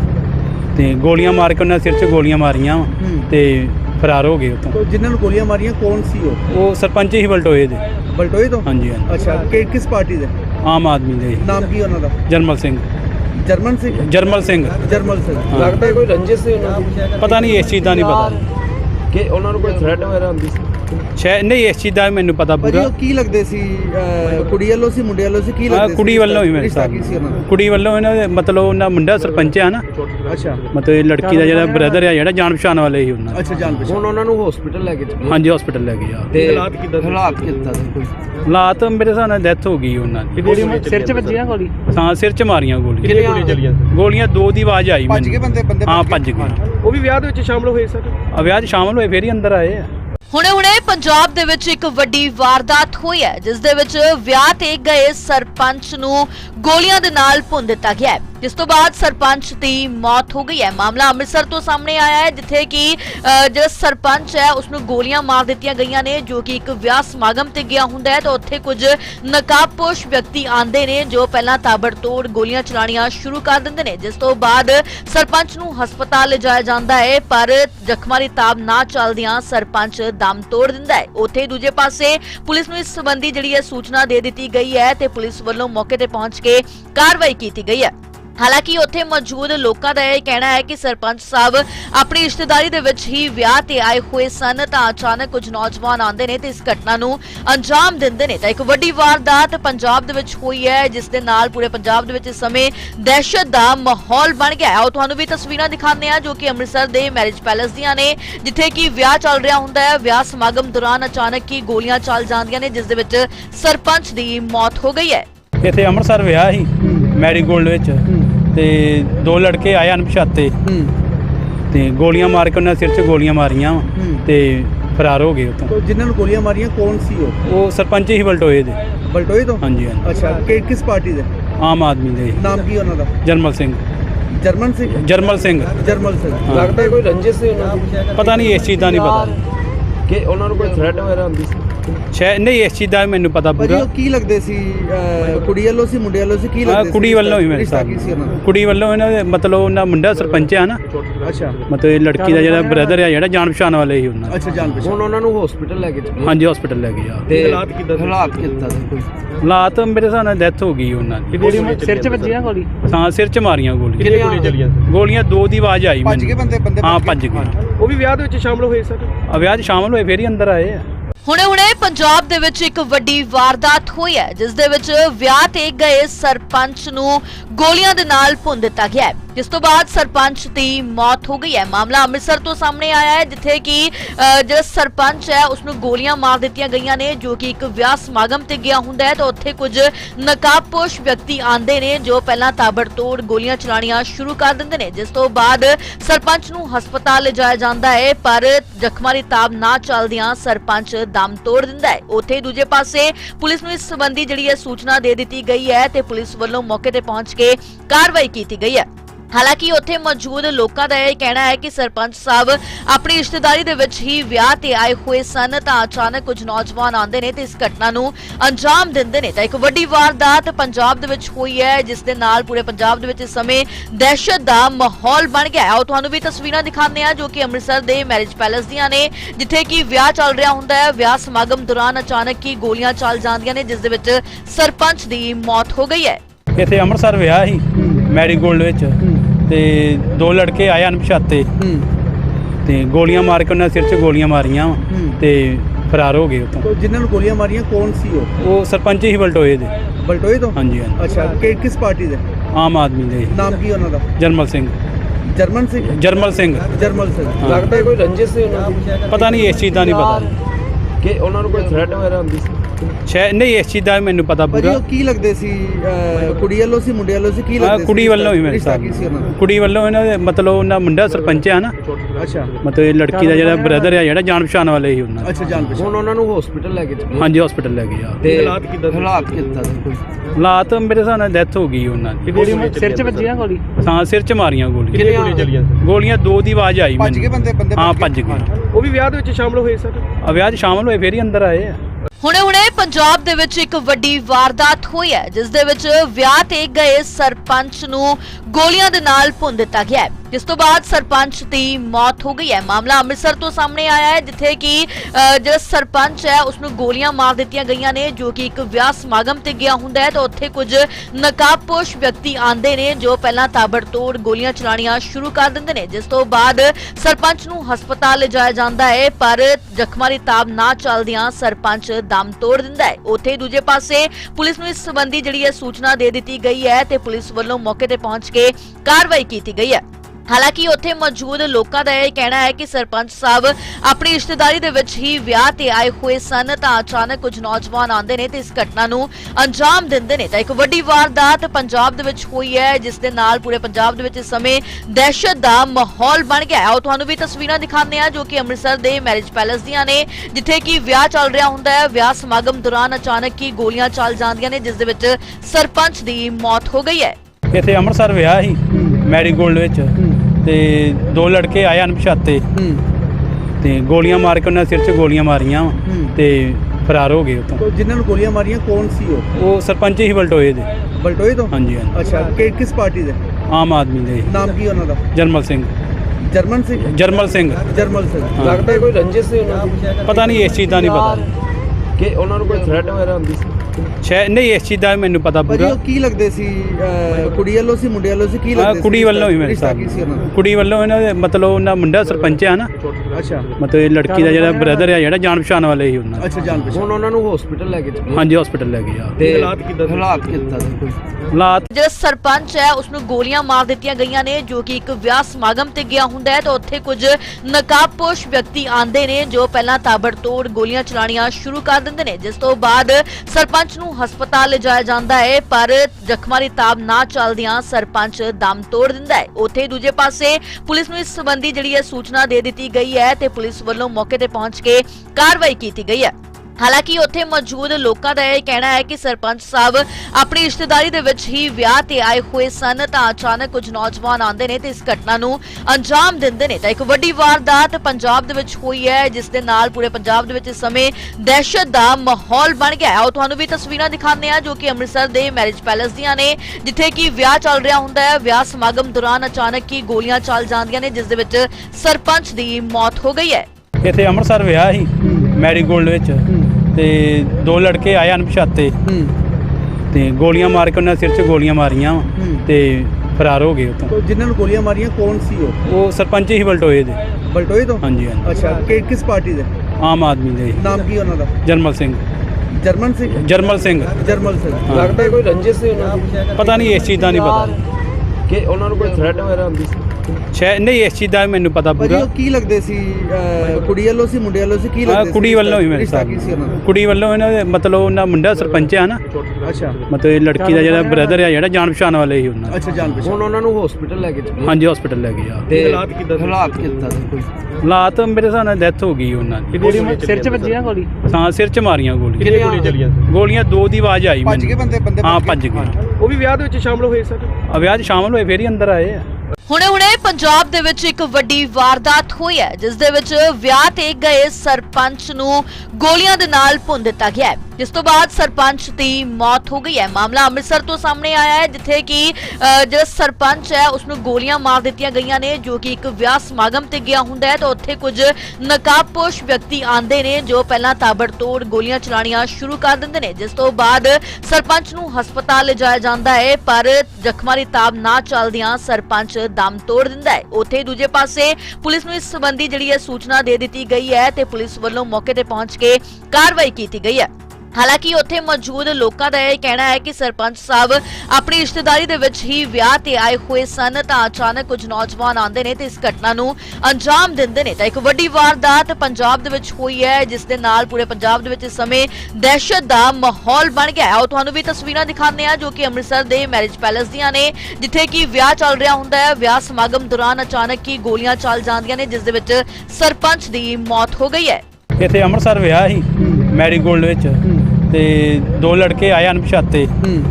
Speaker 2: ਤੇ ਗੋਲੀਆਂ ਮਾਰ ਕੇ ਉਹਨਾਂ ਸਿਰ 'ਚ ਗੋਲੀਆਂ ਮਾਰੀਆਂ ਤੇ ਫਰਾਰ ਹੋ ਗਏ ਉੱਥੋਂ।
Speaker 1: ਜਿਨ੍ਹਾਂ ਨੂੰ ਗੋਲੀਆਂ ਮਾਰੀਆਂ ਕੌਣ ਸੀ
Speaker 2: ਉਹ ਸਰਪੰਚ ਹੀ ਬਲਟੋਏ ਦੇ।
Speaker 1: ਬਲਟੋਏ ਤੋਂ?
Speaker 2: ਹਾਂਜੀ ਹਾਂਜੀ।
Speaker 1: ਅੱਛਾ, ਕਿਸ ਪਾਰਟੀ ਦੇ?
Speaker 2: ਆਮ ਆਦਮੀ ਦੇ।
Speaker 1: ਨਾਮ ਕੀ ਉਹਨਾਂ ਦਾ?
Speaker 2: ਜਰਮਲ ਸਿੰਘ।
Speaker 1: ਜਰਮਨ ਸਿੰਘ?
Speaker 2: ਜਰਮਲ ਸਿੰਘ।
Speaker 1: ਜਰਮਲ ਸਿੰਘ।
Speaker 3: ਲੱਗਦਾ ਕੋਈ ਰੰਜਿਸ਼ ਸੀ ਉਹਨਾਂ ਦੀ?
Speaker 2: ਪਤਾ ਨਹੀਂ, ਇਸ ਚੀਜ਼ ਦਾ ਨਹੀਂ ਪਤਾ
Speaker 3: ਕਿ ਉਹਨਾਂ ਨੂੰ ਕੋਈ ਥ੍ਰੈਟ ਵਗੈਰਾ ਹੁੰਦੀ ਸੀ?
Speaker 2: ਸ਼ਾਇਦ ਨਹੀਂ, ਇਸ ਚੀਜ਼ ਦਾ ਮੈਨੂੰ ਪਤਾ
Speaker 1: ਭਾਜੀ
Speaker 2: ਪੂਰਾ।
Speaker 1: ਉਹ ਕੀ ਲੱਗਦੇ ਸੀ? ਕੁੜੀ ਵੱਲੋਂ ਸੀ, ਮੁੰਡੇ ਵੱਲੋਂ ਸੀ? ਕੀ ਲੱਗਦੇ ਸੀ?
Speaker 2: ਕੁੜੀ ਵੱਲੋਂ ਹੀ ਮੇਰੇ
Speaker 1: ਰਿਸ਼ਤਾ
Speaker 2: ਸਾਹ
Speaker 1: ਕੀ ਸੀ ਉਹਨਾਂ ਦਾ?
Speaker 2: ਕੁੜੀ ਵੱਲੋਂ ਇਹਨਾਂ ਦੇ ਮਤਲਬ ਉਹਨਾਂ ਮੁੰਡਾ ਸਰਪੰਚ ਆ ਨਾ,
Speaker 1: ਅੱਛਾ
Speaker 2: ਮਤਲਬ ਇਹ ਲੜਕੀ ਦਾ ਜਿਹੜਾ ਬ੍ਰਦਰ ਆ ਜਿਹੜਾ ਜਾਣ ਪਛਾਣ ਵਾਲੇ ਹੀ ਉਹਨਾਂ ਦੇ।
Speaker 1: ਅੱਛਾ, ਜਾਣ ਪਛਾਣ।
Speaker 3: ਹੁਣ ਉਹਨਾਂ ਨੂੰ ਹਸਪੀਟਲ ਲੈ ਕੇ ਚੱਲੇ?
Speaker 2: ਹਾਂਜੀ, ਹਸਪੀਟਲ ਲੈ ਗਏ ਆ।
Speaker 3: ਤੇ ਹਾਲਾਤ ਕਿੱਦਾਂ ਸੀ ਕੋਈ?
Speaker 2: ਹਾਲਾਤ ਮੇਰੇ ਹਿਸਾਬ ਨਾਲ ਡੈਥ ਹੋ ਗਈ ਉਹਨਾਂ ਦੀ।
Speaker 3: ਸਿਰ 'ਚ ਵੱਜੀ ਨਾ ਗੋਲੀ?
Speaker 2: ਹਾਂ, ਸਿਰ 'ਚ ਮਾਰੀਆਂ ਗੋਲੀਆਂ।
Speaker 3: ਕਿੰਨੀਆਂ ਗੋਲੀਆਂ ਚੱਲੀਆਂ?
Speaker 2: ਗੋਲੀਆਂ ਦੋ ਦੀ ਆਵਾਜ਼ ਆਈ
Speaker 1: ਭੱਜ ਗਏ ਬੰਦੇ?
Speaker 2: ਹਾਂ, ਭੱਜ ਗਏ।
Speaker 3: ਉਹ ਵੀ ਵਿਆਹ ਦੇ ਵਿੱਚ ਸ਼ਾਮਲ ਹੋਏ ਸਰ?
Speaker 2: ਵਿਆਹ 'ਚ ਸ਼ਾਮਲ ਹੋਏ, ਫੇਰ ਹੀ ਅੰਦਰ ਆਏ ਆ।
Speaker 4: ਹੁਣੇ ਪੰਜਾਬ ਦੇ ਵਿੱਚ ਇੱਕ ਵੱਡੀ ਵਾਰਦਾਤ ਹੋਈ ਹੈ, ਜਿਸ ਦੇ ਵਿੱਚ ਵਿਆਹ ਤੇ ਗਏ ਸਰਪੰਚ ਨੂੰ ਗੋਲੀਆਂ ਦੇ ਨਾਲ ਭੁੰਨ ਦਿੱਤਾ ਗਿਆ ਹੈ, ਜਿਸ ਤੋਂ ਬਾਅਦ ਸਰਪੰਚ ਦੀ ਮੌਤ ਹੋ ਗਈ ਹੈ। ਮਾਮਲਾ ਅੰਮ੍ਰਿਤਸਰ ਤੋਂ ਸਾਹਮਣੇ ਆਇਆ ਹੈ, ਜਿੱਥੇ ਕਿ ਜਿਹੜਾ ਸਰਪੰਚ ਹੈ ਉਸ ਨੂੰ ਗੋਲੀਆਂ ਮਾਰ ਦਿੱਤੀਆਂ ਗਈਆਂ ਨੇ, ਜੋ ਕਿ ਇੱਕ ਵਿਆਹ ਸਮਾਗਮ ਤੇ ਗਿਆ ਹੁੰਦਾ ਹੈ ਤਾਂ ਉੱਥੇ ਕੁਝ ਨਕਾਬਪੋਸ਼ ਵਿਅਕਤੀ ਆਂਦੇ ਨੇ ਜੋ ਪਹਿਲਾਂ ਤਾਬੜਤੋੜ ਗੋਲੀਆਂ ਚਲਾਣੀਆਂ ਸ਼ੁਰੂ ਕਰ ਦਿੰਦੇ ਨੇ, ਜਿਸ ਤੋਂ ਬਾਅਦ ਸਰਪੰਚ ਨੂੰ ਹਸਪਤਾਲ ਲਿਜਾਇਆ ਜਾਂਦਾ ਹੈ, ਪਰ ਜ਼ਖਮਾਂ ਦੀ ਤਾਬ ਨਾ ਚੱਲਦਿਆਂ ਸਰਪੰਚ ਦਮ ਤੋੜ ਦਿੰਦਾ ਹੈ। ਉੱਥੇ ਦੂਜੇ ਪਾਸੇ ਪੁਲਿਸ ਨੂੰ ਇਸ ਸੰਬੰਧੀ ਜਿਹੜੀ ਹੈ ਸੂਚਨਾ ਦੇ ਦਿੱਤੀ ਗਈ ਹੈ ਤੇ ਪੁਲਿਸ ਵੱਲੋਂ ਮੌਕੇ ਤੇ ਪਹੁੰਚ ਕੇ ਕਾਰਵਾਈ ਕੀਤੀ ਗਈ ਹੈ। ਹਾਲਾਂਕਿ ਉੱਥੇ ਮੌਜੂਦ ਲੋਕਾਂ ਦਾ ਇਹ ਕਹਿਣਾ ਹੈ ਕਿ ਸਰਪੰਚ ਸਾਹਿਬ ਆਪਣੀ ਰਿਸ਼ਤੇਦਾਰੀ ਦੇ ਵਿੱਚ ਹੀ ਵਿਆਹ ਤੇ ਆਏ ਹੋਏ ਸਨ ਤਾਂ ਅਚਾਨਕ ਕੁਝ ਨੌਜਵਾਨ ਆਉਂਦੇ ਨੇ ਤੇ ਇਸ ਘਟਨਾ ਨੂੰ ਅੰਜਾਮ ਦਿੰਦੇ ਨੇ ਤਾਂ ਇੱਕ ਵੱਡੀ ਵਾਰਦਾਤ ਪੰਜਾਬ ਦੇ ਵਿੱਚ ਹੋਈ ਹੈ, ਜਿਸ ਦੇ ਨਾਲ ਪੂਰੇ ਪੰਜਾਬ ਦੇ ਵਿੱਚ ਇਸ ਸਮੇਂ ਦਹਿਸ਼ਤ ਦਾ ਮਾਹੌਲ ਬਣ ਗਿਆ ਹੈ। ਆਓ ਤੁਹਾਨੂੰ ਵੀ ਤਸਵੀਰਾਂ ਦਿਖਾਉਂਦੇ ਹਾਂ ਜੋ ਕਿ ਅੰਮ੍ਰਿਤਸਰ ਦੇ ਮੈਰਿਜ ਪੈਲੇਸ ਦੀਆਂ ਨੇ, ਜਿੱਥੇ ਕਿ ਵਿਆਹ ਚੱਲ ਰਿਹਾ ਹੁੰਦਾ ਹੈ। ਵਿਆਹ ਸਮਾਗਮ ਦੌਰਾਨ ਅਚਾਨਕ ਹੀ ਗੋਲੀਆਂ ਚੱਲ ਜਾਂਦੀਆਂ ਨੇ, ਜਿਸ ਦੇ ਵਿੱਚ ਸਰਪੰਚ ਦੀ ਮੌਤ ਹੋ ਗਈ ਹੈ।
Speaker 2: ਇੱਥੇ ਅੰਮ੍ਰਿਤਸਰ ਵਿਆਹ ਸੀ ਮੈਰੀਗੋਲਡ ਵਿੱਚ, ਤੇ ਦੋ ਲੜਕੇ ਆਏ ਅਣਪਛਾਤੇ ਤੇ ਗੋਲੀਆਂ ਮਾਰ ਕੇ ਉਹਨਾਂ ਸਿਰ 'ਚ ਗੋਲੀਆਂ ਮਾਰੀਆਂ ਤੇ ਫਰਾਰ ਹੋ ਗਏ ਉੱਥੋਂ।
Speaker 1: ਜਿਨ੍ਹਾਂ ਨੂੰ ਗੋਲੀਆਂ ਮਾਰੀਆਂ ਕੌਣ ਸੀ
Speaker 2: ਉਹ ਸਰਪੰਚ ਹੀ ਬਲਟੋਏ ਦੇ।
Speaker 1: ਬਲਟੋਏ ਤੋਂ?
Speaker 2: ਹਾਂਜੀ ਹਾਂਜੀ।
Speaker 1: ਅੱਛਾ, ਕਿਸ ਪਾਰਟੀ ਦੇ?
Speaker 2: ਆਮ ਆਦਮੀ ਦੇ।
Speaker 1: ਨਾਮ ਕੀ ਉਹਨਾਂ ਦਾ?
Speaker 2: ਜਰਮਲ ਸਿੰਘ।
Speaker 1: ਜਰਮਨ ਸਿੰਘ?
Speaker 2: ਜਰਮਲ ਸਿੰਘ।
Speaker 1: ਜਰਮਲ ਸਿੰਘ।
Speaker 3: ਲੱਗਦਾ ਕੋਈ ਰੰਜਿਸ਼ ਸੀ ਉਹਨਾਂ ਦੀ?
Speaker 2: ਪਤਾ ਨਹੀਂ, ਇਸ ਚੀਜ਼ ਦਾ ਨਹੀਂ ਪਤਾ
Speaker 3: ਕਿ ਉਹਨਾਂ ਨੂੰ ਕੋਈ ਥ੍ਰੈਟ ਵਗੈਰਾ ਹੁੰਦੀ ਸੀ?
Speaker 2: ਸ਼ਾਇਦ ਨਹੀਂ, ਇਸ ਚੀਜ਼ ਦਾ ਮੈਨੂੰ ਪਤਾ
Speaker 1: ਭਾਜੀ
Speaker 2: ਪੂਰਾ।
Speaker 1: ਉਹ ਕੀ ਲੱਗਦੇ ਸੀ? ਕੁੜੀ ਵੱਲੋਂ ਸੀ, ਮੁੰਡੇ ਵੱਲੋਂ ਸੀ? ਕੀ ਲੱਗਦੇ ਸੀ?
Speaker 2: ਕੁੜੀ ਵੱਲੋਂ ਹੀ ਮੇਰੇ
Speaker 1: ਰਿਸ਼ਤਾ
Speaker 2: ਸਾਹ
Speaker 1: ਕੀ ਸੀ ਉਹਨਾਂ ਦਾ?
Speaker 2: ਕੁੜੀ ਵੱਲੋਂ ਇਹਨਾਂ ਦੇ ਮਤਲਬ ਉਹਨਾਂ ਮੁੰਡਾ ਸਰਪੰਚ ਆ ਨਾ,
Speaker 1: ਅੱਛਾ
Speaker 2: ਮਤਲਬ ਇਹ ਲੜਕੀ ਦਾ ਜਿਹੜਾ ਬ੍ਰਦਰ ਆ ਜਿਹੜਾ ਜਾਣ ਪਛਾਣ ਵਾਲੇ ਹੀ ਉਹਨਾਂ ਦੇ।
Speaker 1: ਅੱਛਾ, ਜਾਣ ਪਛਾਣ।
Speaker 3: ਹੁਣ ਉਹਨਾਂ ਨੂੰ ਹਸਪੀਟਲ ਲੈ ਕੇ ਚੱਲੇ?
Speaker 2: ਹਾਂਜੀ, ਹਸਪੀਟਲ ਲੈ ਗਏ ਆ।
Speaker 3: ਤੇ ਹਾਲਾਤ ਕਿੱਦਾਂ ਸੀ ਕੋਈ?
Speaker 2: ਹਾਲਾਤ ਮੇਰੇ ਹਿਸਾਬ ਨਾਲ ਡੈਥ ਹੋ ਗਈ ਉਹਨਾਂ ਦੀ।
Speaker 3: ਸਿਰ 'ਚ ਵੱਜੀ ਨਾ ਗੋਲੀ?
Speaker 2: ਹਾਂ, ਸਿਰ 'ਚ ਮਾਰੀਆਂ ਗੋਲੀਆਂ।
Speaker 3: ਕਿੰਨੀਆਂ ਗੋਲੀਆਂ ਚੱਲੀਆਂ?
Speaker 2: ਗੋਲੀਆਂ ਦੋ ਦੀ ਆਵਾਜ਼ ਆਈ
Speaker 1: ਭੱਜ ਗਏ ਬੰਦੇ?
Speaker 2: ਹਾਂ, ਭੱਜ ਗਏ।
Speaker 3: ਉਹ ਵੀ ਵਿਆਹ ਦੇ ਵਿੱਚ ਸ਼ਾਮਲ ਹੋਏ ਸਰ?
Speaker 2: ਵਿਆਹ 'ਚ ਸ਼ਾਮਲ ਹੋਏ, ਫੇਰ ਹੀ ਅੰਦਰ ਆਏ ਆ।
Speaker 4: ਹੁਣੇ ਪੰਜਾਬ ਦੇ ਵਿੱਚ ਇੱਕ ਵੱਡੀ ਵਾਰਦਾਤ ਹੋਈ ਹੈ, ਜਿਸ ਦੇ ਵਿੱਚ ਵਿਆਹ ਤੇ ਗਏ ਸਰਪੰਚ ਨੂੰ ਗੋਲੀਆਂ ਦੇ ਨਾਲ ਭੁੰਨ ਦਿੱਤਾ ਗਿਆ ਹੈ, ਜਿਸ ਤੋਂ ਬਾਅਦ ਸਰਪੰਚ ਦੀ ਮੌਤ ਹੋ ਗਈ ਹੈ। ਮਾਮਲਾ ਅੰਮ੍ਰਿਤਸਰ ਤੋਂ ਸਾਹਮਣੇ ਆਇਆ ਹੈ, ਜਿੱਥੇ ਕਿ ਜਿਹੜਾ ਸਰਪੰਚ ਹੈ ਉਸ ਨੂੰ ਗੋਲੀਆਂ ਮਾਰ ਦਿੱਤੀਆਂ ਗਈਆਂ ਨੇ, ਜੋ ਕਿ ਇੱਕ ਵਿਆਹ ਸਮਾਗਮ ਤੇ ਗਿਆ ਹੁੰਦਾ ਹੈ ਤਾਂ ਉੱਥੇ ਕੁਝ ਨਕਾਬਪੋਸ਼ ਵਿਅਕਤੀ ਆਂਦੇ ਨੇ ਜੋ ਪਹਿਲਾਂ ਤਾਬੜਤੋੜ ਗੋਲੀਆਂ ਚਲਾਣੀਆਂ ਸ਼ੁਰੂ ਕਰ ਦਿੰਦੇ ਨੇ, ਜਿਸ ਤੋਂ ਬਾਅਦ ਸਰਪੰਚ ਨੂੰ ਹਸਪਤਾਲ ਲਿਜਾਇਆ ਜਾਂਦਾ ਹੈ, ਪਰ ਜ਼ਖਮਾਂ ਦੀ ਤਾਬ ਨਾ ਚੱਲਦਿਆਂ ਸਰਪੰਚ ਦਮ ਤੋੜ ਦਿੰਦਾ ਹੈ। ਉੱਥੇ ਦੂਜੇ ਪਾਸੇ ਪੁਲਿਸ ਨੂੰ ਇਸ ਸੰਬੰਧੀ ਜਿਹੜੀ ਹੈ ਸੂਚਨਾ ਦੇ ਦਿੱਤੀ ਗਈ ਹੈ ਤੇ ਪੁਲਿਸ ਵੱਲੋਂ ਮੌਕੇ ਤੇ ਪਹੁੰਚ ਕੇ ਕਾਰਵਾਈ ਕੀਤੀ ਗਈ ਹੈ। ਹਾਲਾਂਕਿ ਉੱਥੇ ਮੌਜੂਦ ਲੋਕਾਂ ਦਾ ਇਹ ਕਹਿਣਾ ਹੈ ਕਿ ਸਰਪੰਚ ਸਾਹਿਬ ਆਪਣੀ ਰਿਸ਼ਤੇਦਾਰੀ ਦੇ ਵਿੱਚ ਹੀ ਵਿਆਹ ਤੇ ਆਏ ਹੋਏ ਸਨ ਤਾਂ ਅਚਾਨਕ ਕੁਝ ਨੌਜਵਾਨ ਆਉਂਦੇ ਨੇ ਤੇ ਇਸ ਘਟਨਾ ਨੂੰ ਅੰਜਾਮ ਦਿੰਦੇ ਨੇ ਤਾਂ ਇੱਕ ਵੱਡੀ ਵਾਰਦਾਤ ਪੰਜਾਬ ਦੇ ਵਿੱਚ ਹੋਈ ਹੈ, ਜਿਸ ਦੇ ਨਾਲ ਪੂਰੇ ਪੰਜਾਬ ਦੇ ਵਿੱਚ ਇਸ ਸਮੇਂ ਦਹਿਸ਼ਤ ਦਾ ਮਾਹੌਲ ਬਣ ਗਿਆ ਹੈ। ਉਹ ਤੁਹਾਨੂੰ ਵੀ ਤਸਵੀਰਾਂ ਦਿਖਾਉਂਦੇ ਆ ਜੋ ਕਿ ਅੰਮ੍ਰਿਤਸਰ ਦੇ ਮੈਰਿਜ ਪੈਲੇਸ ਦੀਆਂ ਨੇ, ਜਿੱਥੇ ਕਿ ਵਿਆਹ ਚੱਲ ਰਿਹਾ ਹੁੰਦਾ ਹੈ। ਵਿਆਹ ਸਮਾਗਮ ਦੌਰਾਨ ਅਚਾਨਕ ਹੀ ਗੋਲੀਆਂ ਚੱਲ ਜਾਂਦੀਆਂ ਨੇ, ਜਿਸ ਦੇ ਵਿੱਚ ਸਰਪੰਚ ਦੀ ਮੌਤ ਹੋ ਗਈ ਹੈ।
Speaker 2: ਇੱਥੇ ਅੰਮ੍ਰਿਤਸਰ ਵਿਆਹ ਸੀ ਮੈਰੀਗੋਲਡ ਵਿੱਚ ਤੇ ਦੋ ਲੜਕੇ ਆਏ ਅਣਪਛਾਤੇ ਤੇ ਗੋਲੀਆਂ ਮਾਰ ਕੇ ਉਹਨਾਂ ਸਿਰ 'ਚ ਗੋਲੀਆਂ ਮਾਰੀਆਂ ਤੇ ਫਰਾਰ ਹੋ ਗਏ ਉੱਥੋਂ।
Speaker 1: ਜਿਨ੍ਹਾਂ ਨੂੰ ਗੋਲੀਆਂ ਮਾਰੀਆਂ ਕੌਣ ਸੀ
Speaker 2: ਉਹ ਸਰਪੰਚ ਹੀ ਬਲਟੋਏ ਦੇ।
Speaker 1: ਬਲਟੋਏ ਤੋਂ?
Speaker 2: ਹਾਂਜੀ ਹਾਂਜੀ।
Speaker 1: ਅੱਛਾ, ਕਿਸ ਪਾਰਟੀ ਦੇ?
Speaker 2: ਆਮ ਆਦਮੀ ਦੇ।
Speaker 1: ਨਾਮ ਕੀ ਉਹਨਾਂ ਦਾ?
Speaker 2: ਜਰਮਲ ਸਿੰਘ।
Speaker 1: ਜਰਮਨ ਸਿੰਘ?
Speaker 2: ਜਰਮਲ ਸਿੰਘ।
Speaker 1: ਜਰਮਲ ਸਿੰਘ।
Speaker 2: ਹਾਂ।
Speaker 3: ਲੱਗਦਾ ਕੋਈ ਰੰਜਿਸ਼ ਸੀ ਉਹਨਾਂ ਦੀ?
Speaker 2: ਪਤਾ ਨਹੀਂ, ਇਸ ਚੀਜ਼ ਦਾ ਨਹੀਂ ਪਤਾ
Speaker 3: ਕਿ ਉਹਨਾਂ ਨੂੰ ਕੋਈ ਥ੍ਰੈਟ ਵਗੈਰਾ ਹੁੰਦੀ ਸੀ?
Speaker 2: ਸ਼ਾਇਦ ਨਹੀਂ, ਇਸ ਚੀਜ਼ ਦਾ ਮੈਨੂੰ ਪਤਾ
Speaker 1: ਭਾਜੀ
Speaker 2: ਪੂਰਾ।
Speaker 1: ਉਹ ਕੀ ਲੱਗਦੇ ਸੀ? ਕੁੜੀ ਵੱਲੋਂ ਸੀ ਮੁੰਡੇ ਵੱਲੋਂ ਸੀ? ਕੀ ਲੱਗਦੇ ਸੀ?
Speaker 2: ਕੁੜੀ ਵੱਲੋਂ ਹੀ ਮੇਰੇ
Speaker 1: ਰਿਸ਼ਤਾ
Speaker 2: ਸਾਹਿਬ।
Speaker 1: ਕੀ ਸੀ ਉਹਨਾਂ ਦਾ?
Speaker 2: ਕੁੜੀ ਵੱਲੋਂ ਇਹਨਾਂ ਦੇ ਮਤਲਬ ਉਹਨਾਂ ਮੁੰਡਾ ਸਰਪੰਚ ਹੈ ਨਾ,
Speaker 1: ਅੱਛਾ
Speaker 2: ਮਤਲਬ ਇਹ ਲੜਕੀ ਦਾ ਜਿਹੜਾ ਬ੍ਰਦਰ ਆ ਜਿਹੜਾ ਜਾਣ ਪਛਾਣ ਵਾਲੇ ਹੀ ਉਹਨਾਂ ਦੇ।
Speaker 1: ਅੱਛਾ, ਜਾਣ ਪਛਾਣ।
Speaker 3: ਹੁਣ ਉਹਨਾਂ ਨੂੰ ਹਸਪੀਟਲ ਲੈ ਕੇ ਚੱਲੇ?
Speaker 2: ਹਾਂਜੀ, ਹਸਪੀਟਲ ਲੈ ਗਏ ਆ।
Speaker 3: ਤੇ ਹਾਲਾਤ ਕਿੱਦਾਂ ਸੀ ਕੋਈ?
Speaker 2: ਹਾਲਾਤ ਮੇਰੇ ਹਿਸਾਬ ਨਾਲ ਡੈਥ ਹੋ ਗਈ ਉਹਨਾਂ ਦੀ।
Speaker 3: ਸਿਰ 'ਚ ਵੱਜੀ ਨਾ ਗੋਲੀ?
Speaker 2: ਹਾਂ, ਸਿਰ 'ਚ ਮਾਰੀਆਂ ਗੋਲੀਆਂ।
Speaker 3: ਕਿੰਨੀਆਂ ਗੋਲੀਆਂ ਚੱਲੀਆਂ?
Speaker 2: ਗੋਲੀਆਂ ਦੋ ਦੀ ਆਵਾਜ਼ ਆਈ
Speaker 1: ਭੱਜ ਗਏ ਬੰਦੇ?
Speaker 2: ਹਾਂ, ਭੱਜ ਗਏ।
Speaker 3: ਉਹ ਵੀ ਵਿਆਹ ਦੇ ਵਿੱਚ ਸ਼ਾਮਲ ਹੋਏ ਸਰ?
Speaker 2: ਆ ਵਿਆਹ 'ਚ ਸ਼ਾਮਲ ਹੋਏ ਫੇਰ ਹੀ ਅੰਦਰ ਆਏ ਆ।
Speaker 4: ਹੁਣੇ ਪੰਜਾਬ ਦੇ ਵਿੱਚ ਇੱਕ ਵੱਡੀ ਵਾਰਦਾਤ ਹੋਈ ਹੈ, ਜਿਸ ਦੇ ਵਿੱਚ ਵਿਆਹ ਤੇ ਗਏ ਸਰਪੰਚ ਨੂੰ ਗੋਲੀਆਂ ਦੇ ਨਾਲ ਭੁੰਨ ਦਿੱਤਾ ਗਿਆ ਹੈ, ਜਿਸ ਤੋਂ ਬਾਅਦ ਸਰਪੰਚ ਦੀ ਮੌਤ ਹੋ ਗਈ ਹੈ। ਮਾਮਲਾ ਅੰਮ੍ਰਿਤਸਰ ਤੋਂ ਸਾਹਮਣੇ ਆਇਆ ਹੈ, ਜਿੱਥੇ ਕਿ ਜਿਹੜਾ ਸਰਪੰਚ ਹੈ ਉਸ ਨੂੰ ਗੋਲੀਆਂ ਮਾਰ ਦਿੱਤੀਆਂ ਗਈਆਂ ਨੇ, ਜੋ ਕਿ ਇੱਕ ਵਿਆਹ ਸਮਾਗਮ ਤੇ ਗਿਆ ਹੁੰਦਾ ਹੈ ਤਾਂ ਉੱਥੇ ਕੁਝ ਨਕਾਬਪੋਸ਼ ਵਿਅਕਤੀ ਆਂਦੇ ਨੇ ਜੋ ਪਹਿਲਾਂ ਤਾਬੜਤੋੜ ਗੋਲੀਆਂ ਚਲਾਣੀਆਂ ਸ਼ੁਰੂ ਕਰ ਦਿੰਦੇ ਨੇ, ਜਿਸ ਤੋਂ ਬਾਅਦ ਸਰਪੰਚ ਨੂੰ ਹਸਪਤਾਲ ਲਿਜਾਇਆ ਜਾਂਦਾ ਹੈ, ਪਰ ਜ਼ਖਮਾਂ ਦੀ ਤਾਬ ਨਾ ਚੱਲਦਿਆਂ ਸਰਪੰਚ ਦਮ ਤੋੜ ਦਿੰਦਾ ਹੈ। ਉੱਥੇ ਦੂਜੇ ਪਾਸੇ ਪੁਲਿਸ ਨੂੰ ਇਸ ਸੰਬੰਧੀ ਜਿਹੜੀ ਹੈ ਸੂਚਨਾ ਦੇ ਦਿੱਤੀ ਗਈ ਹੈ ਤੇ ਪੁਲਿਸ ਵੱਲੋਂ ਮੌਕੇ ਤੇ ਪਹੁੰਚ ਕੇ ਕਾਰਵਾਈ ਕੀਤੀ ਗਈ ਹੈ। ਹਾਲਾਂਕਿ ਉੱਥੇ ਮੌਜੂਦ ਲੋਕਾਂ ਦਾ ਇਹ ਕਹਿਣਾ ਹੈ ਕਿ ਸਰਪੰਚ ਸਾਹਿਬ ਆਪਣੀ ਰਿਸ਼ਤੇਦਾਰੀ ਦੇ ਵਿੱਚ ਹੀ ਵਿਆਹ ਤੇ ਆਏ ਹੋਏ ਸਨ ਤਾਂ ਅਚਾਨਕ ਕੁਝ ਨੌਜਵਾਨ ਆਉਂਦੇ ਨੇ ਤੇ ਇਸ ਘਟਨਾ ਨੂੰ ਅੰਜਾਮ ਦਿੰਦੇ ਨੇ ਤਾਂ ਇੱਕ ਵੱਡੀ ਵਾਰਦਾਤ ਪੰਜਾਬ ਦੇ ਵਿੱਚ ਹੋਈ ਹੈ, ਜਿਸ ਦੇ ਨਾਲ ਪੂਰੇ ਪੰਜਾਬ ਦੇ ਵਿੱਚ ਇਸ ਸਮੇਂ ਦਹਿਸ਼ਤ ਦਾ ਮਾਹੌਲ ਬਣ ਗਿਆ ਹੈ। ਉਹ ਤੁਹਾਨੂੰ ਵੀ ਤਸਵੀਰਾਂ ਦਿਖਾਉਂਦੇ ਆ ਜੋ ਕਿ ਅੰਮ੍ਰਿਤਸਰ ਦੇ ਮੈਰਿਜ ਪੈਲੇਸ ਦੀਆਂ ਨੇ, ਜਿੱਥੇ ਕਿ ਵਿਆਹ ਚੱਲ ਰਿਹਾ ਹੁੰਦਾ ਹੈ। ਵਿਆਹ ਸਮਾਗਮ ਦੌਰਾਨ ਅਚਾਨਕ ਹੀ ਗੋਲੀਆਂ ਚੱਲ ਜਾਂਦੀਆਂ ਨੇ, ਜਿਸ ਦੇ ਵਿੱਚ ਸਰਪੰਚ ਦੀ ਮੌਤ ਹੋ ਗਈ ਹੈ।
Speaker 2: ਇੱਥੇ ਅੰਮ੍ਰਿਤਸਰ ਵਿਆਹ ਸੀ ਮੈਰੀਗੋਲਡ ਵਿੱਚ ਤੇ ਦੋ ਲੜਕੇ ਆਏ ਅਣਪਛਾਤੇ ਤੇ ਗੋਲੀਆਂ ਮਾਰ ਕੇ ਉਹਨਾਂ ਸਿਰ 'ਚ ਗੋਲੀਆਂ ਮਾਰੀਆਂ ਤੇ ਫਰਾਰ ਹੋ ਗਏ ਉੱਥੋਂ।
Speaker 1: ਜਿਨ੍ਹਾਂ ਨੂੰ ਗੋਲੀਆਂ ਮਾਰੀਆਂ ਕੌਣ ਸੀ
Speaker 2: ਉਹ ਸਰਪੰਚ ਹੀ ਬਲਟੋਏ ਦੇ।
Speaker 1: ਬਲਟੋਏ ਤੋਂ?
Speaker 2: ਹਾਂਜੀ ਹਾਂਜੀ।
Speaker 1: ਅੱਛਾ, ਕਿਸ ਪਾਰਟੀ ਦੇ?
Speaker 2: ਆਮ ਆਦਮੀ ਦੇ।
Speaker 1: ਨਾਮ ਕੀ ਉਹਨਾਂ ਦਾ?
Speaker 2: ਜਰਮਲ ਸਿੰਘ।
Speaker 1: ਜਰਮਨ ਸਿੰਘ?
Speaker 2: ਜਰਮਲ ਸਿੰਘ।
Speaker 1: ਜਰਮਲ ਸਿੰਘ।
Speaker 2: ਹਾਂ।
Speaker 3: ਲੱਗਦਾ ਕੋਈ ਰੰਜਿਸ਼ ਸੀ ਉਹਨਾਂ ਦੀ?
Speaker 2: ਪਤਾ ਨਹੀਂ, ਇਸ ਚੀਜ਼ ਦਾ ਨਹੀਂ ਪਤਾ
Speaker 3: ਕਿ ਉਹਨਾਂ ਨੂੰ ਕੋਈ ਥ੍ਰੈਟ ਵਗੈਰਾ ਹੁੰਦੀ ਸੀ?
Speaker 2: ਸ਼ਾਇਦ ਨਹੀਂ, ਇਸ ਚੀਜ਼ ਦਾ ਮੈਨੂੰ ਪਤਾ
Speaker 1: ਭਾਜੀ
Speaker 2: ਪੂਰਾ।
Speaker 1: ਉਹ ਕੀ ਲੱਗਦੇ ਸੀ? ਕੁੜੀ ਵੱਲੋਂ ਸੀ ਮੁੰਡੇ ਵੱਲੋਂ ਸੀ? ਕੀ ਲੱਗਦੇ ਸੀ?
Speaker 2: ਕੁੜੀ ਵੱਲੋਂ ਹੀ ਮੇਰੇ
Speaker 1: ਰਿਸ਼ਤਾ
Speaker 2: ਸਾਹਿਬ।
Speaker 1: ਕੀ ਸੀ ਉਹਨਾਂ ਦਾ?
Speaker 2: ਕੁੜੀ ਵੱਲੋਂ ਇਹਨਾਂ ਦੇ ਮਤਲਬ ਉਹਨਾਂ ਮੁੰਡਾ ਸਰਪੰਚ ਹੈ ਨਾ,
Speaker 1: ਅੱਛਾ
Speaker 2: ਮਤਲਬ ਇਹ ਲੜਕੀ ਦਾ ਜਿਹੜਾ ਬ੍ਰਦਰ ਆ ਜਿਹੜਾ ਜਾਣ ਪਛਾਣ ਵਾਲੇ ਹੀ ਉਹਨਾਂ ਦੇ।
Speaker 1: ਅੱਛਾ, ਜਾਣ ਪਛਾਣ।
Speaker 3: ਹੁਣ ਉਹਨਾਂ ਨੂੰ ਹਸਪੀਟਲ ਲੈ ਕੇ ਚੱਲੇ?
Speaker 2: ਹਾਂਜੀ, ਹਸਪੀਟਲ ਲੈ ਗਏ ਆ।
Speaker 3: ਤੇ ਹਾਲਾਤ ਕਿੱਦਾਂ ਸੀ ਕੋਈ?
Speaker 2: ਹਾਲਾਤ
Speaker 4: ਜਿਹੜਾ ਸਰਪੰਚ ਹੈ ਉਸ ਨੂੰ ਗੋਲੀਆਂ ਮਾਰ ਦਿੱਤੀਆਂ ਗਈਆਂ ਨੇ, ਜੋ ਕਿ ਇੱਕ ਵਿਆਹ ਸਮਾਗਮ ਤੇ ਗਿਆ ਹੁੰਦਾ ਹੈ ਤਾਂ ਉੱਥੇ ਕੁਝ ਨਕਾਬਪੋਸ਼ ਵਿਅਕਤੀ ਆਂਦੇ ਨੇ ਜੋ ਪਹਿਲਾਂ ਤਾਬੜਤੋੜ ਗੋਲੀਆਂ ਚਲਾਣੀਆਂ ਸ਼ੁਰੂ ਕਰ ਦਿੰਦੇ ਨੇ, ਜਿਸ ਤੋਂ ਬਾਅਦ ਸਰਪੰਚ ਨੂੰ ਹਸਪਤਾਲ ਲਿਜਾਇਆ ਜਾਂਦਾ ਹੈ, ਪਰ ਜ਼ਖਮਾਂ ਦੀ ਤਾਬ ਨਾ ਚੱਲਦਿਆਂ ਸਰਪੰਚ ਦਮ ਤੋੜ ਦਿੰਦਾ ਹੈ। ਉੱਥੇ ਦੂਜੇ ਪਾਸੇ ਪੁਲਿਸ ਨੂੰ ਇਸ ਸੰਬੰਧੀ ਜਿਹੜੀ ਹੈ ਸੂਚਨਾ ਦੇ ਦਿੱਤੀ ਗਈ ਹੈ ਤੇ ਪੁਲਿਸ ਵੱਲੋਂ ਮੌਕੇ ਤੇ ਪਹੁੰਚ ਕੇ ਕਾਰਵਾਈ ਕੀਤੀ ਗਈ ਹੈ। ਹਾਲਾਂਕਿ ਉੱਥੇ ਮੌਜੂਦ ਲੋਕਾਂ ਦਾ ਇਹ ਕਹਿਣਾ ਹੈ ਕਿ ਸਰਪੰਚ ਸਾਹਿਬ ਆਪਣੀ ਰਿਸ਼ਤੇਦਾਰੀ ਦੇ ਵਿੱਚ ਹੀ ਵਿਆਹ ਤੇ ਆਏ ਹੋਏ ਸਨ ਤਾਂ ਅਚਾਨਕ ਕੁਝ ਨੌਜਵਾਨ ਆਉਂਦੇ ਨੇ ਤੇ ਇਸ ਘਟਨਾ ਨੂੰ ਅੰਜਾਮ ਦਿੰਦੇ ਨੇ ਤਾਂ ਇੱਕ ਵੱਡੀ ਵਾਰਦਾਤ ਪੰਜਾਬ ਦੇ ਵਿੱਚ ਹੋਈ ਹੈ, ਜਿਸ ਦੇ ਨਾਲ ਪੂਰੇ ਪੰਜਾਬ ਦੇ ਵਿੱਚ ਇਸ ਸਮੇਂ ਦਹਿਸ਼ਤ ਦਾ ਮਾਹੌਲ ਬਣ ਗਿਆ ਹੈ। ਉਹ ਤੁਹਾਨੂੰ ਵੀ ਤਸਵੀਰਾਂ ਦਿਖਾਉਂਦੇ ਆ ਜੋ ਕਿ ਅੰਮ੍ਰਿਤਸਰ ਦੇ ਮੈਰਿਜ ਪੈਲੇਸ ਦੀਆਂ ਨੇ, ਜਿੱਥੇ ਕਿ ਵਿਆਹ ਚੱਲ ਰਿਹਾ ਹੁੰਦਾ ਹੈ। ਵਿਆਹ ਸਮਾਗਮ ਦੌਰਾਨ ਅਚਾਨਕ ਹੀ ਗੋਲੀਆਂ ਚੱਲ ਜਾਂਦੀਆਂ ਨੇ, ਜਿਸ ਦੇ ਵਿੱਚ ਸਰਪੰਚ ਦੀ ਮੌਤ ਹੋ ਗਈ ਹੈ।
Speaker 2: ਇੱਥੇ ਅੰਮ੍ਰਿਤਸਰ ਵਿਆਹ ਸੀ ਮੈਰੀਗੋਲਡ ਵਿੱਚ ਤੇ ਦੋ ਲੜਕੇ ਆਏ ਅਣਪਛਾਤੇ ਤੇ ਗੋਲੀਆਂ ਮਾਰ ਕੇ ਉਹਨਾਂ ਸਿਰ 'ਚ ਗੋਲੀਆਂ ਮਾਰੀਆਂ ਤੇ ਫਰਾਰ ਹੋ ਗਏ ਉੱਥੋਂ।
Speaker 1: ਜਿਨ੍ਹਾਂ ਨੂੰ ਗੋਲੀਆਂ ਮਾਰੀਆਂ ਕੌਣ ਸੀ
Speaker 2: ਉਹ ਸਰਪੰਚ ਹੀ ਬਲਟੋਏ ਦੇ।
Speaker 1: ਬਲਟੋਏ ਤੋਂ?
Speaker 2: ਹਾਂਜੀ ਹਾਂਜੀ।
Speaker 1: ਅੱਛਾ, ਕਿਸ ਪਾਰਟੀ ਦੇ?
Speaker 2: ਆਮ ਆਦਮੀ ਦੇ।
Speaker 1: ਨਾਮ ਕੀ ਉਹਨਾਂ ਦਾ?
Speaker 2: ਜਰਮਲ ਸਿੰਘ।
Speaker 1: ਜਰਮਨ ਸਿੰਘ?
Speaker 2: ਜਰਮਲ ਸਿੰਘ।
Speaker 1: ਜਰਮਲ ਸਿੰਘ।
Speaker 2: ਹਾਂ।
Speaker 3: ਲੱਗਦਾ ਕੋਈ ਰੰਜਿਸ਼ ਸੀ ਉਹਨਾਂ ਦੀ?
Speaker 2: ਪਤਾ ਨਹੀਂ, ਇਸ ਚੀਜ਼ ਦਾ ਨਹੀਂ ਪਤਾ
Speaker 3: ਕਿ ਉਹਨਾਂ ਨੂੰ ਕੋਈ ਥ੍ਰੈਟ ਵਗੈਰਾ ਹੁੰਦੀ ਸੀ?
Speaker 2: ਸ਼ਾਇਦ ਨਹੀਂ, ਇਸ ਚੀਜ਼ ਦਾ ਮੈਨੂੰ ਪਤਾ
Speaker 1: ਭਾਜੀ
Speaker 2: ਪੂਰਾ।
Speaker 1: ਉਹ ਕੀ ਲੱਗਦੇ ਸੀ ਕੁੜੀ ਵੱਲੋਂ ਸੀ ਮੁੰਡੇ ਵੱਲੋਂ ਸੀ ਕੀ
Speaker 2: ਹਾਂ,
Speaker 1: ਲੱਗਦੇ ਸੀ?
Speaker 2: ਕੁੜੀ ਵੱਲੋਂ ਹੀ ਮੇਰੇ
Speaker 1: ਰਿਸ਼ਤਾ
Speaker 2: ਹਿਸਾਬ
Speaker 1: ਕੀ ਸੀ ਉਹਨਾਂ
Speaker 2: ਨਾਲ।
Speaker 1: ਦਾ?
Speaker 2: ਕੁੜੀ ਵੱਲੋਂ ਇਹਨਾਂ ਦੇ ਮਤਲਬ ਉਹਨਾਂ ਮੁੰਡਾ ਸਰਪੰਚ ਆ ਨਾ,
Speaker 1: ਅੱਛਾ
Speaker 2: ਮਤਲਬ ਇਹ ਲੜਕੀ ਦਾ ਜਿਹੜਾ ਬ੍ਰਦਰ ਆ ਜਿਹੜਾ ਜਾਣ ਪਛਾਣ ਵਾਲੇ ਹੀ ਉਹਨਾਂ ਦੇ।
Speaker 1: ਅੱਛਾ ਜਾਣ ਪਛਾਣ।
Speaker 3: ਹੁਣ ਉਹਨਾਂ ਨੂੰ ਹਸਪੀਟਲ ਲੈ ਕੇ ਚੱਲੇ
Speaker 2: ਹਾਂਜੀ ਹਸਪੀਟਲ ਲੈ ਗਏ ਆ।
Speaker 3: ਤੇ ਹਾਲਾਤ ਕਿੱਦਾਂ ਦੇ ਕੋਈ?
Speaker 2: ਹਾਲਾਤ ਮੇਰੇ ਹਿਸਾਬ ਨਾਲ ਡੈਥ ਹੋ ਗਈ ਉਹਨਾਂ ਦੀ।
Speaker 3: ਸਿਰ 'ਚ ਵੱਜੀ ਨਾ
Speaker 2: ਗੋਲੀ? ਹਾਂ, ਸਿਰ 'ਚ ਮਾਰੀਆਂ ਗੋਲੀਆਂ।
Speaker 3: ਕਿੰਨੀਆਂ ਗੋਲੀਆਂ ਚੱਲੀਆਂ ਸੀ?
Speaker 2: ਗੋਲੀਆਂ ਦੋ ਦੀ ਆਵਾਜ਼ ਆਈ
Speaker 1: ਭੱਜ ਗਏ ਬੰਦੇ
Speaker 2: ਹਾਂ, ਭੱਜ ਗਏ।
Speaker 3: ਉਹ ਵੀ ਵਿਆਹ ਦੇ ਵਿੱਚ ਸ਼ਾਮਲ ਹੋਏ ਸਰ?
Speaker 2: ਵਿਆਹ 'ਚ ਸ਼ਾਮਲ ਹੋਏ ਫੇਰ ਹੀ ਅੰਦਰ ਆਏ ਆ।
Speaker 4: ਹੁਣੇ ਪੰਜਾਬ ਦੇ ਵਿੱਚ ਇੱਕ ਵੱਡੀ ਵਾਰਦਾਤ ਹੋਈ ਹੈ ਜਿਸ ਦੇ ਵਿੱਚ ਵਿਆਹ ਤੇ ਗਏ ਸਰਪੰਚ ਨੂੰ ਗੋਲੀਆਂ ਦੇ ਨਾਲ ਭੁੰਨ ਦਿੱਤਾ ਗਿਆ ਹੈ, ਜਿਸ ਤੋਂ ਬਾਅਦ ਸਰਪੰਚ ਦੀ ਮੌਤ ਹੋ ਗਈ ਹੈ। ਮਾਮਲਾ ਅੰਮ੍ਰਿਤਸਰ ਤੋਂ ਸਾਹਮਣੇ ਆਇਆ ਹੈ, ਜਿੱਥੇ ਕਿ ਜਿਹੜਾ ਸਰਪੰਚ ਹੈ ਉਸ ਨੂੰ ਗੋਲੀਆਂ ਮਾਰ ਦਿੱਤੀਆਂ ਗਈਆਂ ਨੇ, ਜੋ ਕਿ ਇੱਕ ਵਿਆਹ ਸਮਾਗਮ ਤੇ ਗਿਆ ਹੁੰਦਾ ਹੈ ਤਾਂ ਉੱਥੇ ਕੁਝ ਨਕਾਬਪੋਸ਼ ਵਿਅਕਤੀ ਆਂਦੇ ਨੇ ਜੋ ਪਹਿਲਾਂ ਤਾਬੜਤੋੜ ਗੋਲੀਆਂ ਚਲਾਣੀਆਂ ਸ਼ੁਰੂ ਕਰ ਦਿੰਦੇ ਨੇ, ਜਿਸ ਤੋਂ ਬਾਅਦ ਸਰਪੰਚ ਨੂੰ ਹਸਪਤਾਲ ਲਿਜਾਇਆ ਜਾਂਦਾ ਹੈ, ਪਰ ਜ਼ਖਮਾਂ ਦੀ ਤਾਬ ਨਾ ਚੱਲਦਿਆਂ ਸਰਪੰਚ ਦਮ ਤੋੜ ਦਿੰਦਾ ਹੈ। ਉੱਥੇ ਦੂਜੇ ਪਾਸੇ ਪੁਲਿਸ ਨੂੰ ਇਸ ਸੰਬੰਧੀ ਜਿਹੜੀ ਹੈ ਸੂਚਨਾ ਦੇ ਦਿੱਤੀ ਗਈ ਹੈ ਤੇ ਪੁਲਿਸ ਵੱਲੋਂ ਮੌਕੇ ਤੇ ਪਹੁੰਚ ਕੇ ਕਾਰਵਾਈ ਕੀਤੀ ਗਈ ਹੈ। ਹਾਲਾਂਕਿ ਉੱਥੇ ਮੌਜੂਦ ਲੋਕਾਂ ਦਾ ਇਹ ਕਹਿਣਾ ਹੈ ਕਿ ਸਰਪੰਚ ਸਾਹਿਬ ਆਪਣੀ ਰਿਸ਼ਤੇਦਾਰੀ ਦੇ ਵਿੱਚ ਹੀ ਵਿਆਹ ਤੇ ਆਏ ਹੋਏ ਸਨ ਤਾਂ ਅਚਾਨਕ ਕੁਝ ਨੌਜਵਾਨ ਆਉਂਦੇ ਨੇ ਤੇ ਇਸ ਘਟਨਾ ਨੂੰ ਅੰਜਾਮ ਦਿੰਦੇ ਨੇ ਤਾਂ ਇੱਕ ਵੱਡੀ ਵਾਰਦਾਤ ਪੰਜਾਬ ਦੇ ਵਿੱਚ ਹੋਈ ਹੈ, ਜਿਸ ਦੇ ਨਾਲ ਪੂਰੇ ਪੰਜਾਬ ਦੇ ਵਿੱਚ ਇਸ ਸਮੇਂ ਦਹਿਸ਼ਤ ਦਾ ਮਾਹੌਲ ਬਣ ਗਿਆ ਹੈ। ਉਹ ਤੁਹਾਨੂੰ ਵੀ ਤਸਵੀਰਾਂ ਦਿਖਾਉਂਦੇ ਆ ਜੋ ਕਿ ਅੰਮ੍ਰਿਤਸਰ ਦੇ ਮੈਰਿਜ ਪੈਲੇਸ ਦੀਆਂ ਨੇ, ਜਿੱਥੇ ਕਿ ਵਿਆਹ ਚੱਲ ਰਿਹਾ ਹੁੰਦਾ ਹੈ। ਵਿਆਹ ਸਮਾਗਮ ਦੌਰਾਨ ਅਚਾਨਕ ਹੀ ਗੋਲੀਆਂ ਚੱਲ ਜਾਂਦੀਆਂ ਨੇ, ਜਿਸ ਦੇ ਵਿੱਚ ਸਰਪੰਚ ਦੀ ਮੌਤ ਹੋ ਗਈ ਹੈ।
Speaker 2: ਇੱਥੇ ਅੰਮ੍ਰਿਤਸਰ ਵਿਆਹ ਸੀ ਮੈਰੀਗੋਲਡ ਵਿੱਚ, ਤੇ ਦੋ ਲੜਕੇ ਆਏ ਅਣਪਛਾਤੇ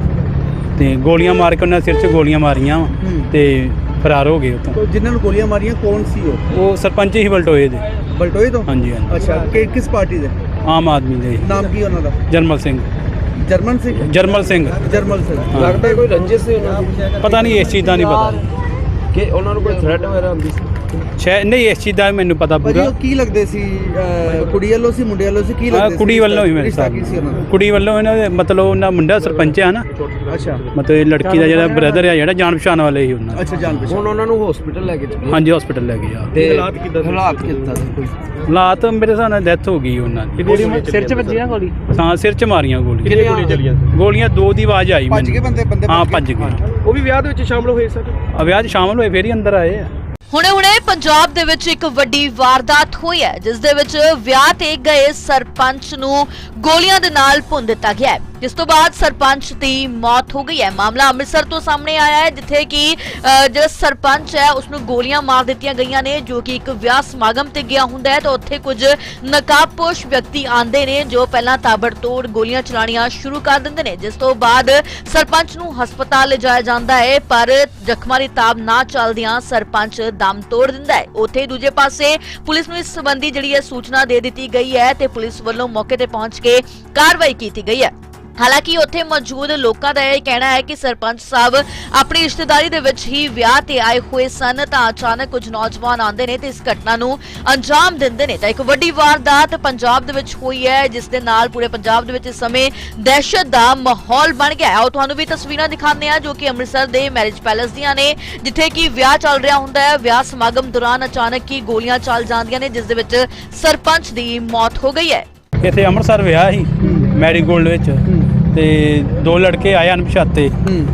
Speaker 2: ਤੇ ਗੋਲੀਆਂ ਮਾਰ ਕੇ ਉਹਨਾਂ ਦੇ ਸਿਰ 'ਚ ਗੋਲੀਆਂ ਮਾਰੀਆਂ ਤੇ ਫਰਾਰ ਹੋ ਗਏ ਉੱਥੋਂ।
Speaker 1: ਜਿਨ੍ਹਾਂ ਨੂੰ ਗੋਲੀਆਂ ਮਾਰੀਆਂ ਕੌਣ ਸੀ
Speaker 2: ਉਹ ਸਰਪੰਚ ਹੀ ਬਲਟੋਏ ਦੇ।
Speaker 1: ਬਲਟੋਏ ਤੋਂ?
Speaker 2: ਹਾਂਜੀ ਹਾਂਜੀ,
Speaker 1: ਅੱਛਾ ਕਿਸ ਪਾਰਟੀ ਦੇ?
Speaker 2: ਆਮ ਆਦਮੀ ਦੇ।
Speaker 1: ਨਾਮ ਕੀ ਉਹਨਾਂ ਦਾ?
Speaker 2: ਜਰਮਲ ਸਿੰਘ।
Speaker 1: ਜਰਮਨ ਸਿੰਘ?
Speaker 2: ਜਰਮਲ ਸਿੰਘ।
Speaker 1: ਜਰਮਲ ਸਿੰਘ।
Speaker 2: ਹਾਂ।
Speaker 3: ਲੱਗਦਾ ਕੋਈ ਰੰਜਿਸ਼ ਸੀ ਉਹਨਾਂ ਦੀ?
Speaker 2: ਪਤਾ ਨਹੀਂ, ਇਸ ਚੀਜ਼ ਦਾ ਨਹੀਂ ਪਤਾ
Speaker 3: ਕਿ ਉਹਨਾਂ ਨੂੰ ਕੋਈ ਥ੍ਰੈਟ ਵਗੈਰਾ ਹੁੰਦੀ ਸੀ?
Speaker 2: ਸ਼ਾਇਦ ਨਹੀਂ, ਇਸ ਚੀਜ਼ ਦਾ ਮੈਨੂੰ ਪਤਾ
Speaker 1: ਭਾਜੀ
Speaker 2: ਪੂਰਾ।
Speaker 1: ਉਹ ਕੀ ਲੱਗਦੇ ਸੀ ਕੁੜੀ ਵੱਲੋਂ ਸੀ ਮੁੰਡੇ ਵੱਲੋਂ ਸੀ ਕੀ
Speaker 2: ਹਾਂ,
Speaker 1: ਲੱਗਦੇ ਸੀ?
Speaker 2: ਕੁੜੀ ਵੱਲੋਂ ਹੀ ਮੇਰੇ
Speaker 1: ਰਿਸ਼ਤਾ
Speaker 2: ਹਿਸਾਬ
Speaker 1: ਕੀ ਸੀ ਉਹਨਾਂ ਦਾ?
Speaker 2: ਨਾਲ। ਕੁੜੀ ਵੱਲੋਂ ਇਹਨਾਂ ਦੇ ਮਤਲਬ ਉਹਨਾਂ ਮੁੰਡਾ ਸਰਪੰਚ ਆ ਨਾ,
Speaker 1: ਅੱਛਾ
Speaker 2: ਮਤਲਬ ਇਹ ਲੜਕੀ ਦਾ ਜਿਹੜਾ ਬ੍ਰਦਰ ਆ ਜਿਹੜਾ ਜਾਣ ਪਛਾਣ ਵਾਲੇ ਹੀ ਉਹਨਾਂ ਦੇ।
Speaker 1: ਅੱਛਾ ਜਾਣ ਪਛਾਣ।
Speaker 3: ਹੁਣ ਉਹਨਾਂ ਨੂੰ ਹਸਪੀਟਲ ਲੈ ਕੇ ਚੱਲੇ
Speaker 2: ਹਾਂਜੀ ਹਸਪੀਟਲ ਲੈ ਗਏ ਆ।
Speaker 3: ਤੇ ਹਾਲਾਤ ਕਿੱਦਾਂ ਦੇ ਕੋਈ?
Speaker 2: ਹਾਲਾਤ ਮੇਰੇ ਹਿਸਾਬ ਨਾਲ ਡੈਥ ਹੋ ਗਈ ਉਹਨਾਂ ਦੀ।
Speaker 3: ਸਿਰ 'ਚ ਵੱਜੀ ਨਾ ਗੋਲੀ?
Speaker 2: ਹਾਂ, ਸਿਰ 'ਚ ਮਾਰੀਆਂ ਗੋਲੀਆਂ।
Speaker 3: ਕਿੰਨੀਆਂ ਗੋਲੀਆਂ ਚੱਲੀਆਂ ਸੀ?
Speaker 2: ਗੋਲੀਆਂ ਦੋ ਦੀ ਆਵਾਜ਼ ਆਈ
Speaker 1: ਭੱਜ ਗਏ ਬੰਦੇ
Speaker 2: ਹਾਂ, ਭੱਜ ਗਏ।
Speaker 3: ਉਹ ਵੀ ਵਿਆਹ ਦੇ ਵਿੱਚ ਸ਼ਾਮਲ ਹੋਏ ਸਰ?
Speaker 2: ਵਿਆਹ 'ਚ ਸ਼ਾਮਲ ਹੋਏ ਫੇਰ ਹੀ ਅੰਦਰ ਆਏ ਆ।
Speaker 4: ਹੁਣੇ ਪੰਜਾਬ ਦੇ ਵਿੱਚ ਇੱਕ ਵੱਡੀ ਵਾਰਦਾਤ ਹੋਈ ਹੈ, ਜਿਸ ਦੇ ਵਿੱਚ ਵਿਆਹ ਤੇ ਗਏ ਸਰਪੰਚ ਨੂੰ ਗੋਲੀਆਂ ਦੇ ਨਾਲ ਭੁੰਨ ਦਿੱਤਾ ਗਿਆ ਹੈ, ਜਿਸ ਤੋਂ ਬਾਅਦ ਸਰਪੰਚ ਦੀ ਮੌਤ ਹੋ ਗਈ ਹੈ। ਮਾਮਲਾ ਅੰਮ੍ਰਿਤਸਰ ਤੋਂ ਸਾਹਮਣੇ ਆਇਆ ਹੈ, ਜਿੱਥੇ ਕਿ ਜਿਹੜਾ ਸਰਪੰਚ ਹੈ ਉਸ ਨੂੰ ਗੋਲੀਆਂ ਮਾਰ ਦਿੱਤੀਆਂ ਗਈਆਂ ਨੇ, ਜੋ ਕਿ ਇੱਕ ਵਿਆਹ ਸਮਾਗਮ ਤੇ ਗਿਆ ਹੁੰਦਾ ਹੈ ਤਾਂ ਉੱਥੇ ਕੁਝ ਨਕਾਬਪੋਸ਼ ਵਿਅਕਤੀ ਆਂਦੇ ਨੇ ਜੋ ਪਹਿਲਾਂ ਤਾਬੜਤੋੜ ਗੋਲੀਆਂ ਚਲਾਣੀਆਂ ਸ਼ੁਰੂ ਕਰ ਦਿੰਦੇ ਨੇ, ਜਿਸ ਤੋਂ ਬਾਅਦ ਸਰਪੰਚ ਨੂੰ ਹਸਪਤਾਲ ਲਿਜਾਇਆ ਜਾਂਦਾ ਹੈ, ਪਰ ਜ਼ਖਮਾਂ ਦੀ ਤਾਬ ਨਾ ਚੱਲਦਿਆਂ ਸਰਪੰਚ ਦਮ ਤੋੜ ਦਿੰਦਾ ਹੈ। ਉੱਥੇ ਦੂਜੇ ਪਾਸੇ ਪੁਲਿਸ ਨੂੰ ਇਸ ਸੰਬੰਧੀ ਜਿਹੜੀ ਹੈ ਸੂਚਨਾ ਦੇ ਦਿੱਤੀ ਗਈ ਹੈ ਤੇ ਪੁਲਿਸ ਵੱਲੋਂ ਮੌਕੇ ਤੇ ਪਹੁੰਚ ਕੇ ਕਾਰਵਾਈ ਕੀਤੀ ਗਈ ਹੈ। ਹਾਲਾਂਕਿ ਉੱਥੇ ਮੌਜੂਦ ਲੋਕਾਂ ਦਾ ਇਹ ਕਹਿਣਾ ਹੈ ਕਿ ਸਰਪੰਚ ਸਾਹਿਬ ਆਪਣੀ ਰਿਸ਼ਤੇਦਾਰੀ ਦੇ ਵਿੱਚ ਹੀ ਵਿਆਹ ਤੇ ਆਏ ਹੋਏ ਸਨ ਤਾਂ ਅਚਾਨਕ ਕੁਝ ਨੌਜਵਾਨ ਆਉਂਦੇ ਨੇ ਤੇ ਇਸ ਘਟਨਾ ਨੂੰ ਅੰਜਾਮ ਦਿੰਦੇ ਨੇ ਤਾਂ ਇੱਕ ਵੱਡੀ ਵਾਰਦਾਤ ਪੰਜਾਬ ਦੇ ਵਿੱਚ ਹੋਈ ਹੈ, ਜਿਸ ਦੇ ਨਾਲ ਪੂਰੇ ਪੰਜਾਬ ਦੇ ਵਿੱਚ ਇਸ ਸਮੇਂ ਦਹਿਸ਼ਤ ਦਾ ਮਾਹੌਲ ਬਣ ਗਿਆ ਹੈ। ਉਹ ਤੁਹਾਨੂੰ ਵੀ ਤਸਵੀਰਾਂ ਦਿਖਾਉਂਦੇ ਆ ਜੋ ਕਿ ਅੰਮ੍ਰਿਤਸਰ ਦੇ ਮੈਰਿਜ ਪੈਲੇਸ ਦੀਆਂ ਨੇ, ਜਿੱਥੇ ਕਿ ਵਿਆਹ ਚੱਲ ਰਿਹਾ ਹੁੰਦਾ ਹੈ। ਵਿਆਹ ਸਮਾਗਮ ਦੌਰਾਨ ਅਚਾਨਕ ਹੀ ਗੋਲੀਆਂ ਚੱਲ ਜਾਂਦੀਆਂ ਨੇ, ਜਿਸ ਦੇ ਵਿੱਚ ਸਰਪੰਚ ਦੀ ਮੌਤ ਹੋ ਗਈ ਹੈ।
Speaker 2: ਇੱਥੇ ਅੰਮ੍ਰਿਤਸਰ ਵਿਆਹ ਸੀ ਮੈਰੀਗੋਲਡ ਵਿੱਚ, ਤੇ ਦੋ ਲੜਕੇ ਆਏ ਅਣਪਛਾਤੇ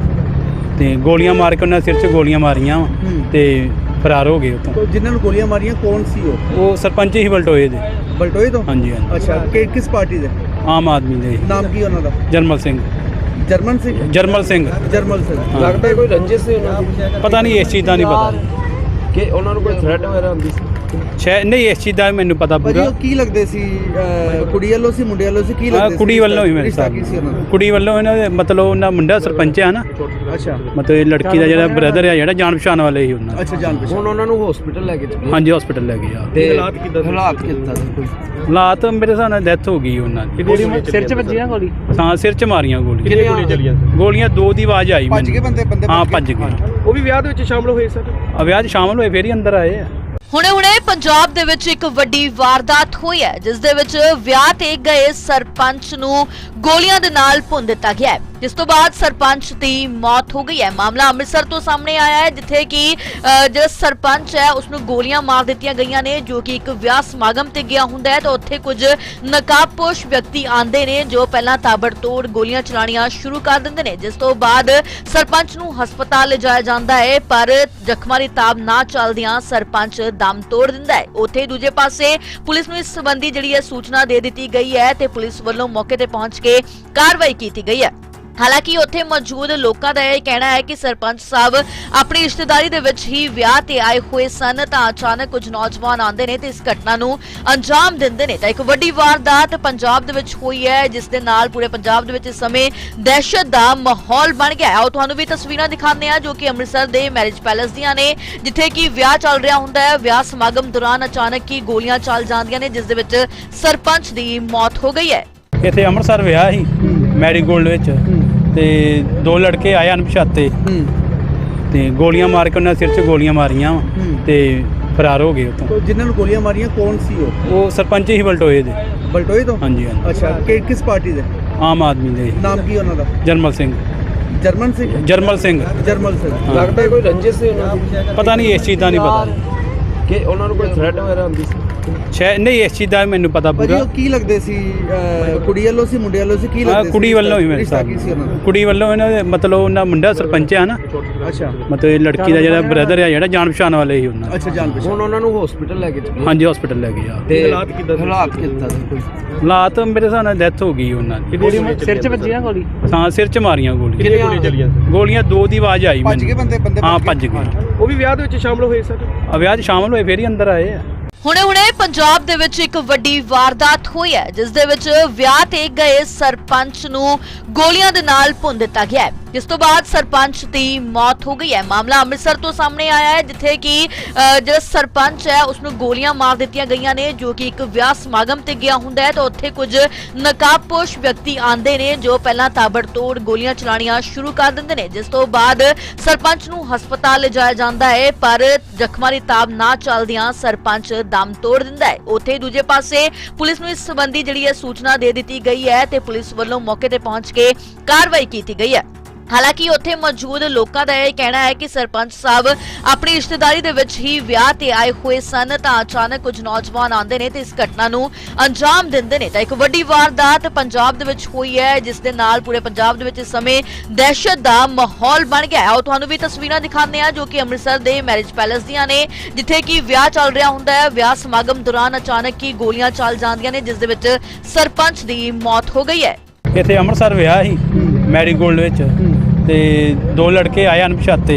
Speaker 2: ਤੇ ਗੋਲੀਆਂ ਮਾਰ ਕੇ ਉਹਨਾਂ ਦੇ ਸਿਰ 'ਚ ਗੋਲੀਆਂ ਮਾਰੀਆਂ ਤੇ ਫਰਾਰ ਹੋ ਗਏ ਉੱਥੋਂ।
Speaker 1: ਜਿਨ੍ਹਾਂ ਨੂੰ ਗੋਲੀਆਂ ਮਾਰੀਆਂ ਕੌਣ ਸੀ
Speaker 2: ਉਹ ਸਰਪੰਚ ਹੀ ਬਲਟੋਏ ਦੇ।
Speaker 1: ਬਲਟੋਏ ਤੋਂ?
Speaker 2: ਹਾਂਜੀ ਹਾਂਜੀ,
Speaker 1: ਅੱਛਾ ਕਿਸ ਪਾਰਟੀ ਦੇ?
Speaker 2: ਆਮ ਆਦਮੀ ਦੇ।
Speaker 1: ਨਾਮ ਕੀ ਉਹਨਾਂ ਦਾ?
Speaker 2: ਜਰਮਲ ਸਿੰਘ।
Speaker 1: ਜਰਮਨ ਸਿੰਘ?
Speaker 2: ਜਰਮਲ ਸਿੰਘ।
Speaker 1: ਜਰਮਲ ਸਿੰਘ।
Speaker 2: ਹਾਂ।
Speaker 3: ਲੱਗਦਾ ਕੋਈ ਰੰਜਿਸ਼ ਸੀ ਉਹਨਾਂ ਦੀ?
Speaker 2: ਪਤਾ ਨਹੀਂ, ਇਸ ਚੀਜ਼ ਦਾ ਨਹੀਂ ਪਤਾ
Speaker 3: ਕਿ ਉਹਨਾਂ ਨੂੰ ਕੋਈ ਥ੍ਰੈਟ ਵਗੈਰਾ ਹੁੰਦੀ ਸੀ?
Speaker 2: ਸ਼ਾਇਦ ਨਹੀਂ, ਇਸ ਚੀਜ਼ ਦਾ ਮੈਨੂੰ ਪਤਾ
Speaker 1: ਭਾਜੀ
Speaker 2: ਪੂਰਾ।
Speaker 1: ਉਹ ਕੀ ਲੱਗਦੇ ਸੀ ਕੁੜੀ ਵੱਲੋਂ ਸੀ ਮੁੰਡੇ ਵੱਲੋਂ ਸੀ ਕੀ
Speaker 2: ਹਾਂ,
Speaker 1: ਲੱਗਦੇ ਸੀ?
Speaker 2: ਕੁੜੀ ਵੱਲੋਂ ਹੀ ਮੇਰੇ
Speaker 1: ਰਿਸ਼ਤਾ
Speaker 2: ਹਿਸਾਬ
Speaker 1: ਕੀ ਸੀ ਉਹਨਾਂ ਦਾ?
Speaker 2: ਨਾਲ। ਕੁੜੀ ਵੱਲੋਂ ਇਹਨਾਂ ਦੇ ਮਤਲਬ ਉਹਨਾਂ ਮੁੰਡਾ ਸਰਪੰਚ ਆ ਨਾ,
Speaker 1: ਅੱਛਾ
Speaker 2: ਮਤਲਬ ਇਹ ਲੜਕੀ ਦਾ ਜਿਹੜਾ ਬ੍ਰਦਰ ਆ ਜਿਹੜਾ ਜਾਣ ਪਛਾਣ ਵਾਲੇ ਹੀ ਉਹਨਾਂ ਦੇ।
Speaker 1: ਅੱਛਾ ਜਾਣ ਪਛਾਣ।
Speaker 3: ਹੁਣ ਉਹਨਾਂ ਨੂੰ ਹਸਪੀਟਲ ਲੈ ਕੇ ਚੱਲੇ
Speaker 2: ਹਾਂਜੀ ਹਸਪੀਟਲ ਲੈ ਗਏ ਆ।
Speaker 3: ਤੇ ਹਾਲਾਤ ਕਿੱਦਾਂ ਦੇ ਕੋਈ?
Speaker 2: ਹਾਲਾਤ ਮੇਰੇ ਹਿਸਾਬ ਨਾਲ ਡੈਥ ਹੋ ਗਈ ਉਹਨਾਂ ਦੀ।
Speaker 3: ਸਿਰ 'ਚ ਵੱਜੀ ਨਾ ਗੋਲੀ?
Speaker 2: ਹਾਂ, ਸਿਰ 'ਚ ਮਾਰੀਆਂ ਗੋਲੀਆਂ।
Speaker 3: ਕਿੰਨੀਆਂ ਗੋਲੀਆਂ ਚੱਲੀਆਂ ਸੀ?
Speaker 2: ਗੋਲੀਆਂ ਦੋ ਦੀ ਆਵਾਜ਼ ਆਈ
Speaker 1: ਭੱਜ ਗਏ ਬੰਦੇ
Speaker 2: ਹਾਂ, ਭੱਜ ਗਏ।
Speaker 3: ਉਹ ਵੀ ਵਿਆਹ ਦੇ ਵਿੱਚ ਸ਼ਾਮਲ ਹੋਏ ਸਰ?
Speaker 2: ਵਿਆਹ 'ਚ ਸ਼ਾਮਲ ਹੋਏ ਫੇਰ ਹੀ ਅੰਦਰ ਆਏ ਆ।
Speaker 4: ਹੁਣੇ ਪੰਜਾਬ ਦੇ ਵਿੱਚ ਇੱਕ ਵੱਡੀ ਵਾਰਦਾਤ ਹੋਈ ਹੈ, ਜਿਸ ਦੇ ਵਿੱਚ ਵਿਆਹ ਤੇ ਗਏ ਸਰਪੰਚ ਨੂੰ ਗੋਲੀਆਂ ਦੇ ਨਾਲ ਭੁੰਨ ਦਿੱਤਾ ਗਿਆ ਹੈ, ਜਿਸ ਤੋਂ ਬਾਅਦ ਸਰਪੰਚ ਦੀ ਮੌਤ ਹੋ ਗਈ ਹੈ। ਮਾਮਲਾ ਅੰਮ੍ਰਿਤਸਰ ਤੋਂ ਸਾਹਮਣੇ ਆਇਆ ਹੈ, ਜਿੱਥੇ ਕਿ ਜਿਹੜਾ ਸਰਪੰਚ ਹੈ ਉਸ ਨੂੰ ਗੋਲੀਆਂ ਮਾਰ ਦਿੱਤੀਆਂ ਗਈਆਂ ਨੇ, ਜੋ ਕਿ ਇੱਕ ਵਿਆਹ ਸਮਾਗਮ ਤੇ ਗਿਆ ਹੁੰਦਾ ਹੈ ਤਾਂ ਉੱਥੇ ਕੁਝ ਨਕਾਬਪੋਸ਼ ਵਿਅਕਤੀ ਆਂਦੇ ਨੇ ਜੋ ਪਹਿਲਾਂ ਤਾਬੜਤੋੜ ਗੋਲੀਆਂ ਚਲਾਣੀਆਂ ਸ਼ੁਰੂ ਕਰ ਦਿੰਦੇ ਨੇ, ਜਿਸ ਤੋਂ ਬਾਅਦ ਸਰਪੰਚ ਨੂੰ ਹਸਪਤਾਲ ਲਿਜਾਇਆ ਜਾਂਦਾ ਹੈ, ਪਰ ਜ਼ਖਮਾਂ ਦੀ ਤਾਬ ਨਾ ਚੱਲਦਿਆਂ ਸਰਪੰਚ ਦਮ ਤੋੜ ਦਿੰਦਾ ਹੈ। ਉੱਥੇ ਦੂਜੇ ਪਾਸੇ ਪੁਲਿਸ ਨੂੰ ਇਸ ਸੰਬੰਧੀ ਜਿਹੜੀ ਹੈ ਸੂਚਨਾ ਦੇ ਦਿੱਤੀ ਗਈ ਹੈ ਤੇ ਪੁਲਿਸ ਵੱਲੋਂ ਮੌਕੇ ਤੇ ਪਹੁੰਚ ਕੇ ਕਾਰਵਾਈ ਕੀਤੀ ਗਈ ਹੈ। ਹਾਲਾਂਕਿ ਉੱਥੇ ਮੌਜੂਦ ਲੋਕਾਂ ਦਾ ਇਹ ਕਹਿਣਾ ਹੈ ਕਿ ਸਰਪੰਚ ਸਾਹਿਬ ਆਪਣੀ ਰਿਸ਼ਤੇਦਾਰੀ ਦੇ ਵਿੱਚ ਹੀ ਵਿਆਹ ਤੇ ਆਏ ਹੋਏ ਸਨ ਤਾਂ ਅਚਾਨਕ ਕੁਝ ਨੌਜਵਾਨ ਆਉਂਦੇ ਨੇ ਤੇ ਇਸ ਘਟਨਾ ਨੂੰ ਅੰਜਾਮ ਦਿੰਦੇ ਨੇ ਤਾਂ ਇੱਕ ਵੱਡੀ ਵਾਰਦਾਤ ਪੰਜਾਬ ਦੇ ਵਿੱਚ ਹੋਈ ਹੈ, ਜਿਸ ਦੇ ਨਾਲ ਪੂਰੇ ਪੰਜਾਬ ਦੇ ਵਿੱਚ ਇਸ ਸਮੇਂ ਦਹਿਸ਼ਤ ਦਾ ਮਾਹੌਲ ਬਣ ਗਿਆ ਹੈ। ਉਹ ਤੁਹਾਨੂੰ ਵੀ ਤਸਵੀਰਾਂ ਦਿਖਾਉਂਦੇ ਆ ਜੋ ਕਿ ਅੰਮ੍ਰਿਤਸਰ ਦੇ ਮੈਰਿਜ ਪੈਲੇਸ ਦੀਆਂ ਨੇ, ਜਿੱਥੇ ਕਿ ਵਿਆਹ ਚੱਲ ਰਿਹਾ ਹੁੰਦਾ ਹੈ। ਵਿਆਹ ਸਮਾਗਮ ਦੌਰਾਨ ਅਚਾਨਕ ਹੀ ਗੋਲੀਆਂ ਚੱਲ ਜਾਂਦੀਆਂ ਨੇ, ਜਿਸ ਦੇ ਵਿੱਚ ਸਰਪੰਚ ਦੀ ਮੌਤ ਹੋ ਗਈ ਹੈ।
Speaker 2: ਇੱਥੇ ਅੰਮ੍ਰਿਤਸਰ ਵਿਆਹ ਸੀ ਮੈਰੀਗੋਲਡ ਵਿੱਚ ਤੇ ਦੋ ਲੜਕੇ ਆਏ ਅਣਪਛਾਤੇ ਤੇ ਗੋਲੀਆਂ ਮਾਰ ਕੇ ਉਹਨਾਂ ਸਿਰ 'ਚ ਗੋਲੀਆਂ ਮਾਰੀਆਂ ਤੇ ਫਰਾਰ ਹੋ ਗਏ ਉੱਥੋਂ।
Speaker 1: ਜਿਨ੍ਹਾਂ ਨੂੰ ਗੋਲੀਆਂ ਮਾਰੀਆਂ ਕੌਣ ਸੀ
Speaker 2: ਉਹ ਸਰਪੰਚ ਹੀ ਬਲਟੋਏ ਦੇ।
Speaker 1: ਬਲਟੋਏ ਤੋਂ?
Speaker 2: ਹਾਂਜੀ ਹਾਂਜੀ।
Speaker 1: ਅੱਛਾ, ਕਿਸ ਪਾਰਟੀ ਦੇ?
Speaker 2: ਆਮ ਆਦਮੀ ਦੇ।
Speaker 1: ਨਾਮ ਕੀ ਉਹਨਾਂ ਦਾ?
Speaker 2: ਜਰਮਲ ਸਿੰਘ।
Speaker 1: ਜਰਮਨ ਸਿੰਘ?
Speaker 2: ਜਰਮਲ ਸਿੰਘ।
Speaker 1: ਜਰਮਲ ਸਿੰਘ।
Speaker 2: ਹਾਂ।
Speaker 3: ਲੱਗਦਾ ਕੋਈ ਰੰਜਿਸ਼ ਸੀ ਉਹਨਾਂ ਦੀ?
Speaker 2: ਪਤਾ ਨਹੀਂ, ਇਸ ਚੀਜ਼ ਦਾ ਨਹੀਂ ਪਤਾ
Speaker 3: ਕਿ ਉਹਨਾਂ ਨੂੰ ਕੋਈ ਥ੍ਰੈਟ ਵਗੈਰਾ ਹੁੰਦੀ ਸੀ?
Speaker 2: ਸ਼ਾਇਦ ਨਹੀਂ, ਇਸ ਚੀਜ਼ ਦਾ ਮੈਨੂੰ ਪਤਾ
Speaker 1: ਭਾਜੀ
Speaker 2: ਪੂਰਾ।
Speaker 1: ਉਹ ਕੀ ਲੱਗਦੇ ਸੀ? ਕੁੜੀ ਵੱਲੋਂ ਸੀ ਮੁੰਡੇ ਵੱਲੋਂ ਸੀ? ਕੀ ਲੱਗਦੇ ਸੀ?
Speaker 2: ਕੁੜੀ ਵੱਲੋਂ ਹੀ ਮੇਰੇ
Speaker 1: ਰਿਸ਼ਤਾ
Speaker 2: ਸਾਹਿਬ।
Speaker 1: ਕੀ ਸੀ ਉਹਨਾਂ ਦਾ?
Speaker 2: ਕੁੜੀ ਵੱਲੋਂ ਇਹਨਾਂ ਦੇ ਮਤਲਬ ਉਹਨਾਂ ਮੁੰਡਾ ਸਰਪੰਚ ਆ ਨਾ,
Speaker 1: ਅੱਛਾ
Speaker 2: ਮਤਲਬ ਇਹ ਲੜਕੀ ਦਾ ਜਿਹੜਾ ਬ੍ਰਦਰ ਆ ਜਿਹੜਾ ਜਾਣ ਪਛਾਣ ਵਾਲੇ ਹੀ ਉਹਨਾਂ।
Speaker 1: ਅੱਛਾ, ਜਾਣ ਪਛਾਣ।
Speaker 3: ਹੁਣ ਉਹਨਾਂ ਨੂੰ ਹਸਪੀਟਲ ਲੈ ਕੇ ਚੱਲੇ?
Speaker 2: ਹਾਂਜੀ, ਹਸਪੀਟਲ ਲੈ ਗਏ ਆ।
Speaker 3: ਤੇ
Speaker 1: ਹਾਲਾਤ ਕਿੱਦਾਂ ਸੀ ਕੋਈ?
Speaker 2: ਹਾਲਾਤ ਮੇਰੇ ਹਿਸਾਬ ਨਾਲ ਡੈਥ ਹੋ ਗਈ ਉਹਨਾਂ ਦੀ।
Speaker 3: ਸਿਰ 'ਚ ਵੱਜੀ ਨਾ ਗੋਲੀ?
Speaker 2: ਹਾਂ, ਸਿਰ 'ਚ ਮਾਰੀਆਂ ਗੋਲੀਆਂ।
Speaker 3: ਕਿੰਨੀਆਂ ਗੋਲੀਆਂ ਚੱਲੀਆਂ?
Speaker 2: ਗੋਲੀਆਂ ਦੋ ਦੀ ਆਵਾਜ਼ ਆਈ
Speaker 1: ਭੱਜ ਗਏ ਬੰਦੇ?
Speaker 2: ਹਾਂ, ਭੱਜ ਗਏ।
Speaker 3: ਉਹ ਵੀ ਵਿਆਹ ਦੇ ਵਿੱਚ ਸ਼ਾਮਲ ਹੋਏ ਸਰ?
Speaker 2: ਵਿਆਹ 'ਚ ਸ਼ਾਮਲ ਹੋਏ ਫੇਰ ਹੀ ਅੰਦਰ ਆਏ ਆ।
Speaker 4: ਹੁਣੇ ਪੰਜਾਬ ਦੇ ਵਿੱਚ ਇੱਕ ਵੱਡੀ ਵਾਰਦਾਤ ਹੋਈ ਹੈ, ਜਿਸ ਦੇ ਵਿੱਚ ਵਿਆਹ ਤੇ ਗਏ ਸਰਪੰਚ ਨੂੰ ਗੋਲੀਆਂ ਦੇ ਨਾਲ ਭੁੰਨ ਦਿੱਤਾ ਗਿਆ ਹੈ, ਜਿਸ ਤੋਂ ਬਾਅਦ ਸਰਪੰਚ ਦੀ ਮੌਤ ਹੋ ਗਈ ਹੈ। ਮਾਮਲਾ ਅੰਮ੍ਰਿਤਸਰ ਤੋਂ ਸਾਹਮਣੇ ਆਇਆ ਹੈ, ਜਿੱਥੇ ਕਿ ਜਿਹੜਾ ਸਰਪੰਚ ਹੈ ਉਸ ਨੂੰ ਗੋਲੀਆਂ ਮਾਰ ਦਿੱਤੀਆਂ ਗਈਆਂ ਨੇ, ਜੋ ਕਿ ਇੱਕ ਵਿਆਹ ਸਮਾਗਮ ਤੇ ਗਿਆ ਹੁੰਦਾ ਹੈ ਤਾਂ ਉੱਥੇ ਕੁਝ ਨਕਾਬਪੋਸ਼ ਵਿਅਕਤੀ ਆਂਦੇ ਨੇ ਜੋ ਪਹਿਲਾਂ ਤਾਬੜਤੋੜ ਗੋਲੀਆਂ ਚਲਾਣੀਆਂ ਸ਼ੁਰੂ ਕਰ ਦਿੰਦੇ ਨੇ, ਜਿਸ ਤੋਂ ਬਾਅਦ ਸਰਪੰਚ ਨੂੰ ਹਸਪਤਾਲ ਲਿਜਾਇਆ ਜਾਂਦਾ ਹੈ, ਪਰ ਜ਼ਖਮਾਂ ਦੀ ਤਾਬ ਨਾ ਚੱਲਦਿਆਂ ਸਰਪੰਚ ਦਮ ਤੋੜ ਦਿੰਦਾ ਹੈ। ਉੱਥੇ ਦੂਜੇ ਪਾਸੇ ਪੁਲਿਸ ਨੂੰ ਇਸ ਸੰਬੰਧੀ ਜਿਹੜੀ ਹੈ ਸੂਚਨਾ ਦੇ ਦਿੱਤੀ ਗਈ ਹੈ ਤੇ ਪੁਲਿਸ ਵੱਲੋਂ ਮੌਕੇ ਤੇ ਪਹੁੰਚ ਕੇ ਕਾਰਵਾਈ ਕੀਤੀ ਗਈ ਹੈ। ਹਾਲਾਂਕਿ ਉੱਥੇ ਮੌਜੂਦ ਲੋਕਾਂ ਦਾ ਇਹ ਕਹਿਣਾ ਹੈ ਕਿ ਸਰਪੰਚ ਸਾਹਿਬ ਆਪਣੀ ਰਿਸ਼ਤੇਦਾਰੀ ਦੇ ਵਿੱਚ ਹੀ ਵਿਆਹ ਤੇ ਆਏ ਹੋਏ ਸਨ ਤਾਂ ਅਚਾਨਕ ਕੁਝ ਨੌਜਵਾਨ ਆਉਂਦੇ ਨੇ ਤੇ ਇਸ ਘਟਨਾ ਨੂੰ ਅੰਜਾਮ ਦਿੰਦੇ ਨੇ ਤਾਂ ਇੱਕ ਵੱਡੀ ਵਾਰਦਾਤ ਪੰਜਾਬ ਦੇ ਵਿੱਚ ਹੋਈ ਹੈ, ਜਿਸ ਦੇ ਨਾਲ ਪੂਰੇ ਪੰਜਾਬ ਦੇ ਵਿੱਚ ਇਸ ਸਮੇਂ ਦਹਿਸ਼ਤ ਦਾ ਮਾਹੌਲ ਬਣ ਗਿਆ ਹੈ। ਉਹ ਤੁਹਾਨੂੰ ਵੀ ਤਸਵੀਰਾਂ ਦਿਖਾਉਂਦੇ ਆ ਜੋ ਕਿ ਅੰਮ੍ਰਿਤਸਰ ਦੇ ਮੈਰਿਜ ਪੈਲੇਸ ਦੀਆਂ ਨੇ, ਜਿੱਥੇ ਕਿ ਵਿਆਹ ਚੱਲ ਰਿਹਾ ਹੁੰਦਾ ਹੈ। ਵਿਆਹ ਸਮਾਗਮ ਦੌਰਾਨ ਅਚਾਨਕ ਹੀ ਗੋਲੀਆਂ ਚੱਲ ਜਾਂਦੀਆਂ ਨੇ, ਜਿਸ ਦੇ ਵਿੱਚ ਸਰਪੰਚ ਦੀ ਮੌਤ ਹੋ ਗਈ ਹੈ।
Speaker 2: ਇੱਥੇ ਅੰਮ੍ਰਿਤਸਰ ਵਿਆਹ ਸੀ ਮੈਰੀਗੋਲਡ ਵਿੱਚ ਤੇ ਦੋ ਲੜਕੇ ਆਏ ਅਣਪਛਾਤੇ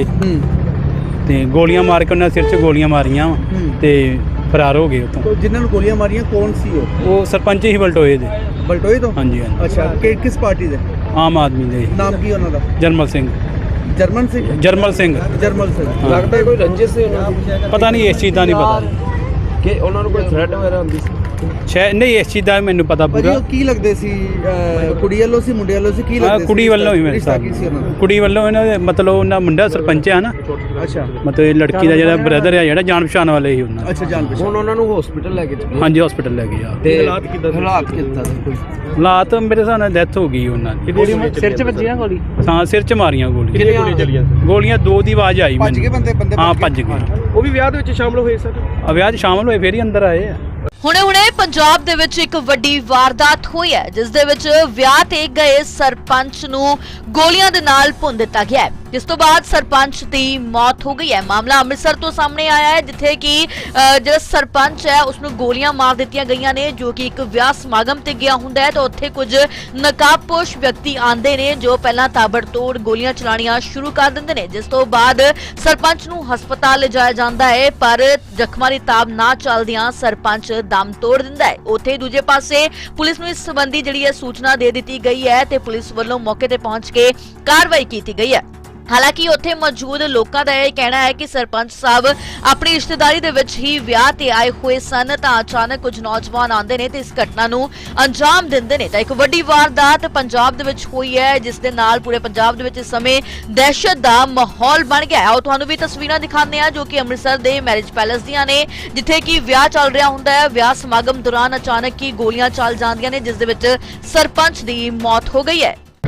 Speaker 2: ਤੇ ਗੋਲੀਆਂ ਮਾਰ ਕੇ ਉਹਨਾਂ ਸਿਰ 'ਚ ਗੋਲੀਆਂ ਮਾਰੀਆਂ ਤੇ ਫਰਾਰ ਹੋ ਗਏ ਉੱਥੋਂ।
Speaker 1: ਜਿਨ੍ਹਾਂ ਨੂੰ ਗੋਲੀਆਂ ਮਾਰੀਆਂ ਕੌਣ ਸੀ
Speaker 2: ਉਹ ਸਰਪੰਚ ਹੀ ਬਲਟੋਏ ਦੇ।
Speaker 1: ਬਲਟੋਏ ਤੋਂ?
Speaker 2: ਹਾਂਜੀ ਹਾਂਜੀ।
Speaker 1: ਅੱਛਾ, ਕਿਸ ਪਾਰਟੀ ਦੇ?
Speaker 2: ਆਮ ਆਦਮੀ ਦੇ।
Speaker 1: ਨਾਮ ਕੀ ਉਹਨਾਂ ਦਾ?
Speaker 2: ਜਰਮਲ ਸਿੰਘ।
Speaker 1: ਜਰਮਨ ਸਿੰਘ?
Speaker 2: ਜਰਮਲ ਸਿੰਘ।
Speaker 1: ਜਰਮਲ ਸਿੰਘ।
Speaker 2: ਹਾਂ।
Speaker 3: ਲੱਗਦਾ ਕੋਈ ਰੰਜਿਸ਼ ਸੀ ਉਹਨਾਂ ਦੀ?
Speaker 2: ਪਤਾ ਨਹੀਂ, ਇਸ ਚੀਜ਼ ਦਾ ਨਹੀਂ ਪਤਾ
Speaker 3: ਕਿ ਉਹਨਾਂ ਨੂੰ ਕੋਈ ਥ੍ਰੈਟ ਵਗੈਰਾ ਹੁੰਦੀ ਸੀ?
Speaker 2: ਸ਼ਾਇਦ ਨਹੀਂ, ਇਸ ਚੀਜ਼ ਦਾ ਮੈਨੂੰ ਪਤਾ
Speaker 1: ਭਾਜੀ
Speaker 2: ਪੂਰਾ।
Speaker 1: ਉਹ ਕੀ ਲੱਗਦੇ ਸੀ? ਕੁੜੀ ਵੱਲੋਂ ਸੀ ਮੁੰਡੇ ਵੱਲੋਂ ਸੀ? ਕੀ ਲੱਗਦੇ ਸੀ?
Speaker 2: ਕੁੜੀ ਵੱਲੋਂ ਹੀ ਮੇਰੇ
Speaker 1: ਰਿਸ਼ਤਾ
Speaker 2: ਸਾਹਿਬ।
Speaker 1: ਕੀ ਸੀ ਉਹਨਾਂ ਦਾ?
Speaker 2: ਕੁੜੀ ਵੱਲੋਂ ਇਹਨਾਂ ਦੇ ਮਤਲਬ ਉਹਨਾਂ ਮੁੰਡਾ ਸਰਪੰਚ ਆ ਨਾ,
Speaker 1: ਅੱਛਾ
Speaker 2: ਮਤਲਬ ਇਹ ਲੜਕੀ ਦਾ ਜਿਹੜਾ ਬ੍ਰਦਰ ਆ ਜਿਹੜਾ ਜਾਣ ਪਛਾਣ ਵਾਲੇ ਹੀ ਉਹਨਾਂ।
Speaker 1: ਅੱਛਾ, ਜਾਣ ਪਛਾਣ।
Speaker 3: ਹੁਣ ਉਹਨਾਂ ਨੂੰ ਹਸਪੀਟਲ ਲੈ ਕੇ ਚੱਲੇ?
Speaker 2: ਹਾਂਜੀ, ਹਸਪੀਟਲ ਲੈ ਗਏ ਆ।
Speaker 3: ਤੇ
Speaker 1: ਹਾਲਾਤ ਕਿੱਦਾਂ ਸੀ ਕੋਈ?
Speaker 2: ਹਾਲਾਤ ਮੇਰੇ ਹਿਸਾਬ ਨਾਲ ਡੈਥ ਹੋ ਗਈ ਉਹਨਾਂ ਦੀ।
Speaker 3: ਸਿਰ 'ਚ ਵੱਜੀ ਨਾ ਗੋਲੀ?
Speaker 2: ਹਾਂ, ਸਿਰ 'ਚ ਮਾਰੀਆਂ ਗੋਲੀਆਂ।
Speaker 3: ਕਿੰਨੀਆਂ ਗੋਲੀਆਂ ਚੱਲੀਆਂ?
Speaker 2: ਗੋਲੀਆਂ ਦੋ ਦੀ ਆਵਾਜ਼ ਆਈ
Speaker 1: ਭੱਜ ਗਏ ਬੰਦੇ?
Speaker 2: ਹਾਂ, ਭੱਜ ਗਏ।
Speaker 3: ਉਹ ਵੀ ਵਿਆਹ ਦੇ ਵਿੱਚ ਸ਼ਾਮਲ ਹੋਏ ਸਰ?
Speaker 2: ਵਿਆਹ 'ਚ ਸ਼ਾਮਲ ਹੋਏ ਫੇਰ ਹੀ ਅੰਦਰ ਆਏ ਆ।
Speaker 4: ਹੁਣੇ ਪੰਜਾਬ ਦੇ ਵਿੱਚ ਇੱਕ ਵੱਡੀ ਵਾਰਦਾਤ ਹੋਈ ਹੈ, ਜਿਸ ਦੇ ਵਿੱਚ ਵਿਆਹ ਤੇ ਗਏ ਸਰਪੰਚ ਨੂੰ ਗੋਲੀਆਂ ਦੇ ਨਾਲ ਭੁੰਨ ਦਿੱਤਾ ਗਿਆ ਹੈ, ਜਿਸ ਤੋਂ ਬਾਅਦ ਸਰਪੰਚ ਦੀ ਮੌਤ ਹੋ ਗਈ ਹੈ। ਮਾਮਲਾ ਅੰਮ੍ਰਿਤਸਰ ਤੋਂ ਸਾਹਮਣੇ ਆਇਆ ਹੈ, ਜਿੱਥੇ ਕਿ ਜਿਹੜਾ ਸਰਪੰਚ ਹੈ ਉਸ ਨੂੰ ਗੋਲੀਆਂ ਮਾਰ ਦਿੱਤੀਆਂ ਗਈਆਂ ਨੇ, ਜੋ ਕਿ ਇੱਕ ਵਿਆਹ ਸਮਾਗਮ ਤੇ ਗਿਆ ਹੁੰਦਾ ਹੈ ਤਾਂ ਉੱਥੇ ਕੁਝ ਨਕਾਬਪੋਸ਼ ਵਿਅਕਤੀ ਆਂਦੇ ਨੇ ਜੋ ਪਹਿਲਾਂ ਤਾਬੜਤੋੜ ਗੋਲੀਆਂ ਚਲਾਣੀਆਂ ਸ਼ੁਰੂ ਕਰ ਦਿੰਦੇ ਨੇ, ਜਿਸ ਤੋਂ ਬਾਅਦ ਸਰਪੰਚ ਨੂੰ ਹਸਪਤਾਲ ਲਿਜਾਇਆ ਜਾਂਦਾ ਹੈ, ਪਰ ਜ਼ਖਮਾਂ ਦੀ ਤਾਬ ਨਾ ਚੱਲਦਿਆਂ ਸਰਪੰਚ ਦਮ ਤੋੜ ਦਿੰਦਾ ਹੈ। ਉੱਥੇ ਦੂਜੇ ਪਾਸੇ ਪੁਲਿਸ ਨੂੰ ਇਸ ਸੰਬੰਧੀ ਜਿਹੜੀ ਹੈ ਸੂਚਨਾ ਦੇ ਦਿੱਤੀ ਗਈ ਹੈ ਤੇ ਪੁਲਿਸ ਵੱਲੋਂ ਮੌਕੇ ਤੇ ਪਹੁੰਚ ਕੇ ਕਾਰਵਾਈ ਕੀਤੀ ਗਈ ਹੈ। ਹਾਲਾਂਕਿ ਉੱਥੇ ਮੌਜੂਦ ਲੋਕਾਂ ਦਾ ਇਹ ਕਹਿਣਾ ਹੈ ਕਿ ਸਰਪੰਚ ਸਾਹਿਬ ਆਪਣੀ ਰਿਸ਼ਤੇਦਾਰੀ ਦੇ ਵਿੱਚ ਹੀ ਵਿਆਹ ਤੇ ਆਏ ਹੋਏ ਸਨ ਤਾਂ ਅਚਾਨਕ ਕੁਝ ਨੌਜਵਾਨ ਆਉਂਦੇ ਨੇ ਤੇ ਇਸ ਘਟਨਾ ਨੂੰ ਅੰਜਾਮ ਦਿੰਦੇ ਨੇ ਤਾਂ ਇੱਕ ਵੱਡੀ ਵਾਰਦਾਤ ਪੰਜਾਬ ਦੇ ਵਿੱਚ ਹੋਈ ਹੈ, ਜਿਸ ਦੇ ਨਾਲ ਪੂਰੇ ਪੰਜਾਬ ਦੇ ਵਿੱਚ ਇਸ ਸਮੇਂ ਦਹਿਸ਼ਤ ਦਾ ਮਾਹੌਲ ਬਣ ਗਿਆ ਹੈ। ਉਹ ਤੁਹਾਨੂੰ ਵੀ ਤਸਵੀਰਾਂ ਦਿਖਾਉਂਦੇ ਆ ਜੋ ਕਿ ਅੰਮ੍ਰਿਤਸਰ ਦੇ ਮੈਰਿਜ ਪੈਲੇਸ ਦੀਆਂ ਨੇ, ਜਿੱਥੇ ਕਿ ਵਿਆਹ ਚੱਲ ਰਿਹਾ ਹੁੰਦਾ ਹੈ। ਵਿਆਹ ਸਮਾਗਮ ਦੌਰਾਨ ਅਚਾਨਕ ਹੀ ਗੋਲੀਆਂ ਚੱਲ ਜਾਂਦੀਆਂ ਨੇ, ਜਿਸ ਦੇ ਵਿੱਚ ਸਰਪੰਚ ਦੀ ਮੌਤ ਹੋ ਗਈ ਹੈ।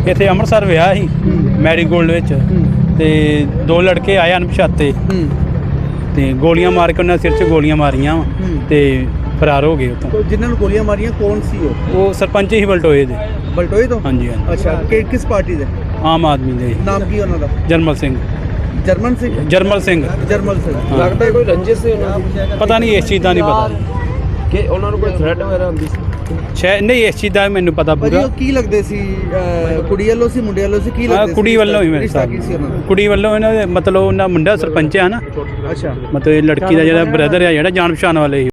Speaker 2: ਇੱਥੇ ਅੰਮ੍ਰਿਤਸਰ ਵਿਆਹ ਸੀ ਮੈਰੀ ਗੋਲਡ ਵਿੱਚ ਤੇ ਦੋ ਲੜਕੇ ਆਏ ਅਣਪਛਾਤੇ ਤੇ ਗੋਲੀਆਂ ਮਾਰ ਕੇ ਉਹਨਾਂ ਦੇ ਸਿਰ 'ਚ ਗੋਲੀਆਂ ਮਾਰੀਆਂ ਵਾ ਤੇ ਫਰਾਰ ਹੋ ਗਏ ਉੱਥੋਂ।
Speaker 1: ਜਿਨ੍ਹਾਂ ਨੂੰ ਗੋਲੀਆਂ ਮਾਰੀਆਂ ਕੌਣ ਸੀ
Speaker 2: ਉਹ ਸਰਪੰਚ ਹੀ ਬਲਟੋਏ ਦੇ।
Speaker 1: ਬਲਟੋਏ ਤੋਂ?
Speaker 2: ਹਾਂਜੀ ਹਾਂਜੀ,
Speaker 1: ਅੱਛਾ, ਕਿਸ ਪਾਰਟੀ ਦੇ?
Speaker 2: ਆਮ ਆਦਮੀ ਦੇ।
Speaker 1: ਨਾਮ ਕੀ ਉਹਨਾਂ ਦਾ?
Speaker 2: ਜਰਮਲ ਸਿੰਘ।
Speaker 1: ਜਰਮਨ ਸਿੰਘ?
Speaker 2: ਜਰਮਲ ਸਿੰਘ।
Speaker 1: ਜਰਮਲ ਸਿੰਘ।
Speaker 2: ਹਾਂ।
Speaker 3: ਲੱਗਦਾ ਕੋਈ ਰੰਜਿਸ਼ ਸੀ ਉਹਨਾਂ ਦੀ?
Speaker 2: ਪਤਾ ਨਹੀਂ, ਇਸ ਚੀਜ਼ ਦਾ ਨਹੀਂ ਪਤਾ
Speaker 3: ਕਿ ਉਹਨਾਂ ਨੂੰ ਕੋਈ ਥ੍ਰੈਟ ਵਗੈਰਾ ਹੁੰਦੀ ਸੀ?
Speaker 2: ਸ਼ਾਇਦ ਨਹੀਂ, ਇਸ ਚੀਜ਼ ਦਾ ਮੈਨੂੰ ਪਤਾ
Speaker 1: ਭਾਜੀ
Speaker 2: ਪੂਰਾ।
Speaker 1: ਉਹ ਕੀ ਲੱਗਦੇ ਸੀ? ਕੁੜੀ ਵੱਲੋਂ ਸੀ ਮੁੰਡੇ ਵੱਲੋਂ ਸੀ? ਕੀ ਲੱਗਦੇ ਸੀ?
Speaker 2: ਕੁੜੀ ਵੱਲੋਂ ਹੀ ਮੇਰੇ
Speaker 1: ਰਿਸ਼ਤਾ
Speaker 2: ਸਾਹਿਬ,
Speaker 1: ਕੀ ਸੀ ਉਹਨਾਂ ਦਾ?
Speaker 2: ਕੁੜੀ ਵੱਲੋਂ ਇਹਨਾਂ ਦੇ ਮਤਲਬ ਉਹਨਾਂ ਮੁੰਡਾ ਸਰਪੰਚ ਆ ਨਾ,
Speaker 1: ਅੱਛਾ।
Speaker 2: ਮਤਲਬ ਇਹ ਲੜਕੀ ਦਾ ਜਿਹੜਾ ਬ੍ਰਦਰ ਆ ਜਿਹੜਾ ਜਾਣ ਪਛਾਣ ਵਾਲੇ ਸੀ।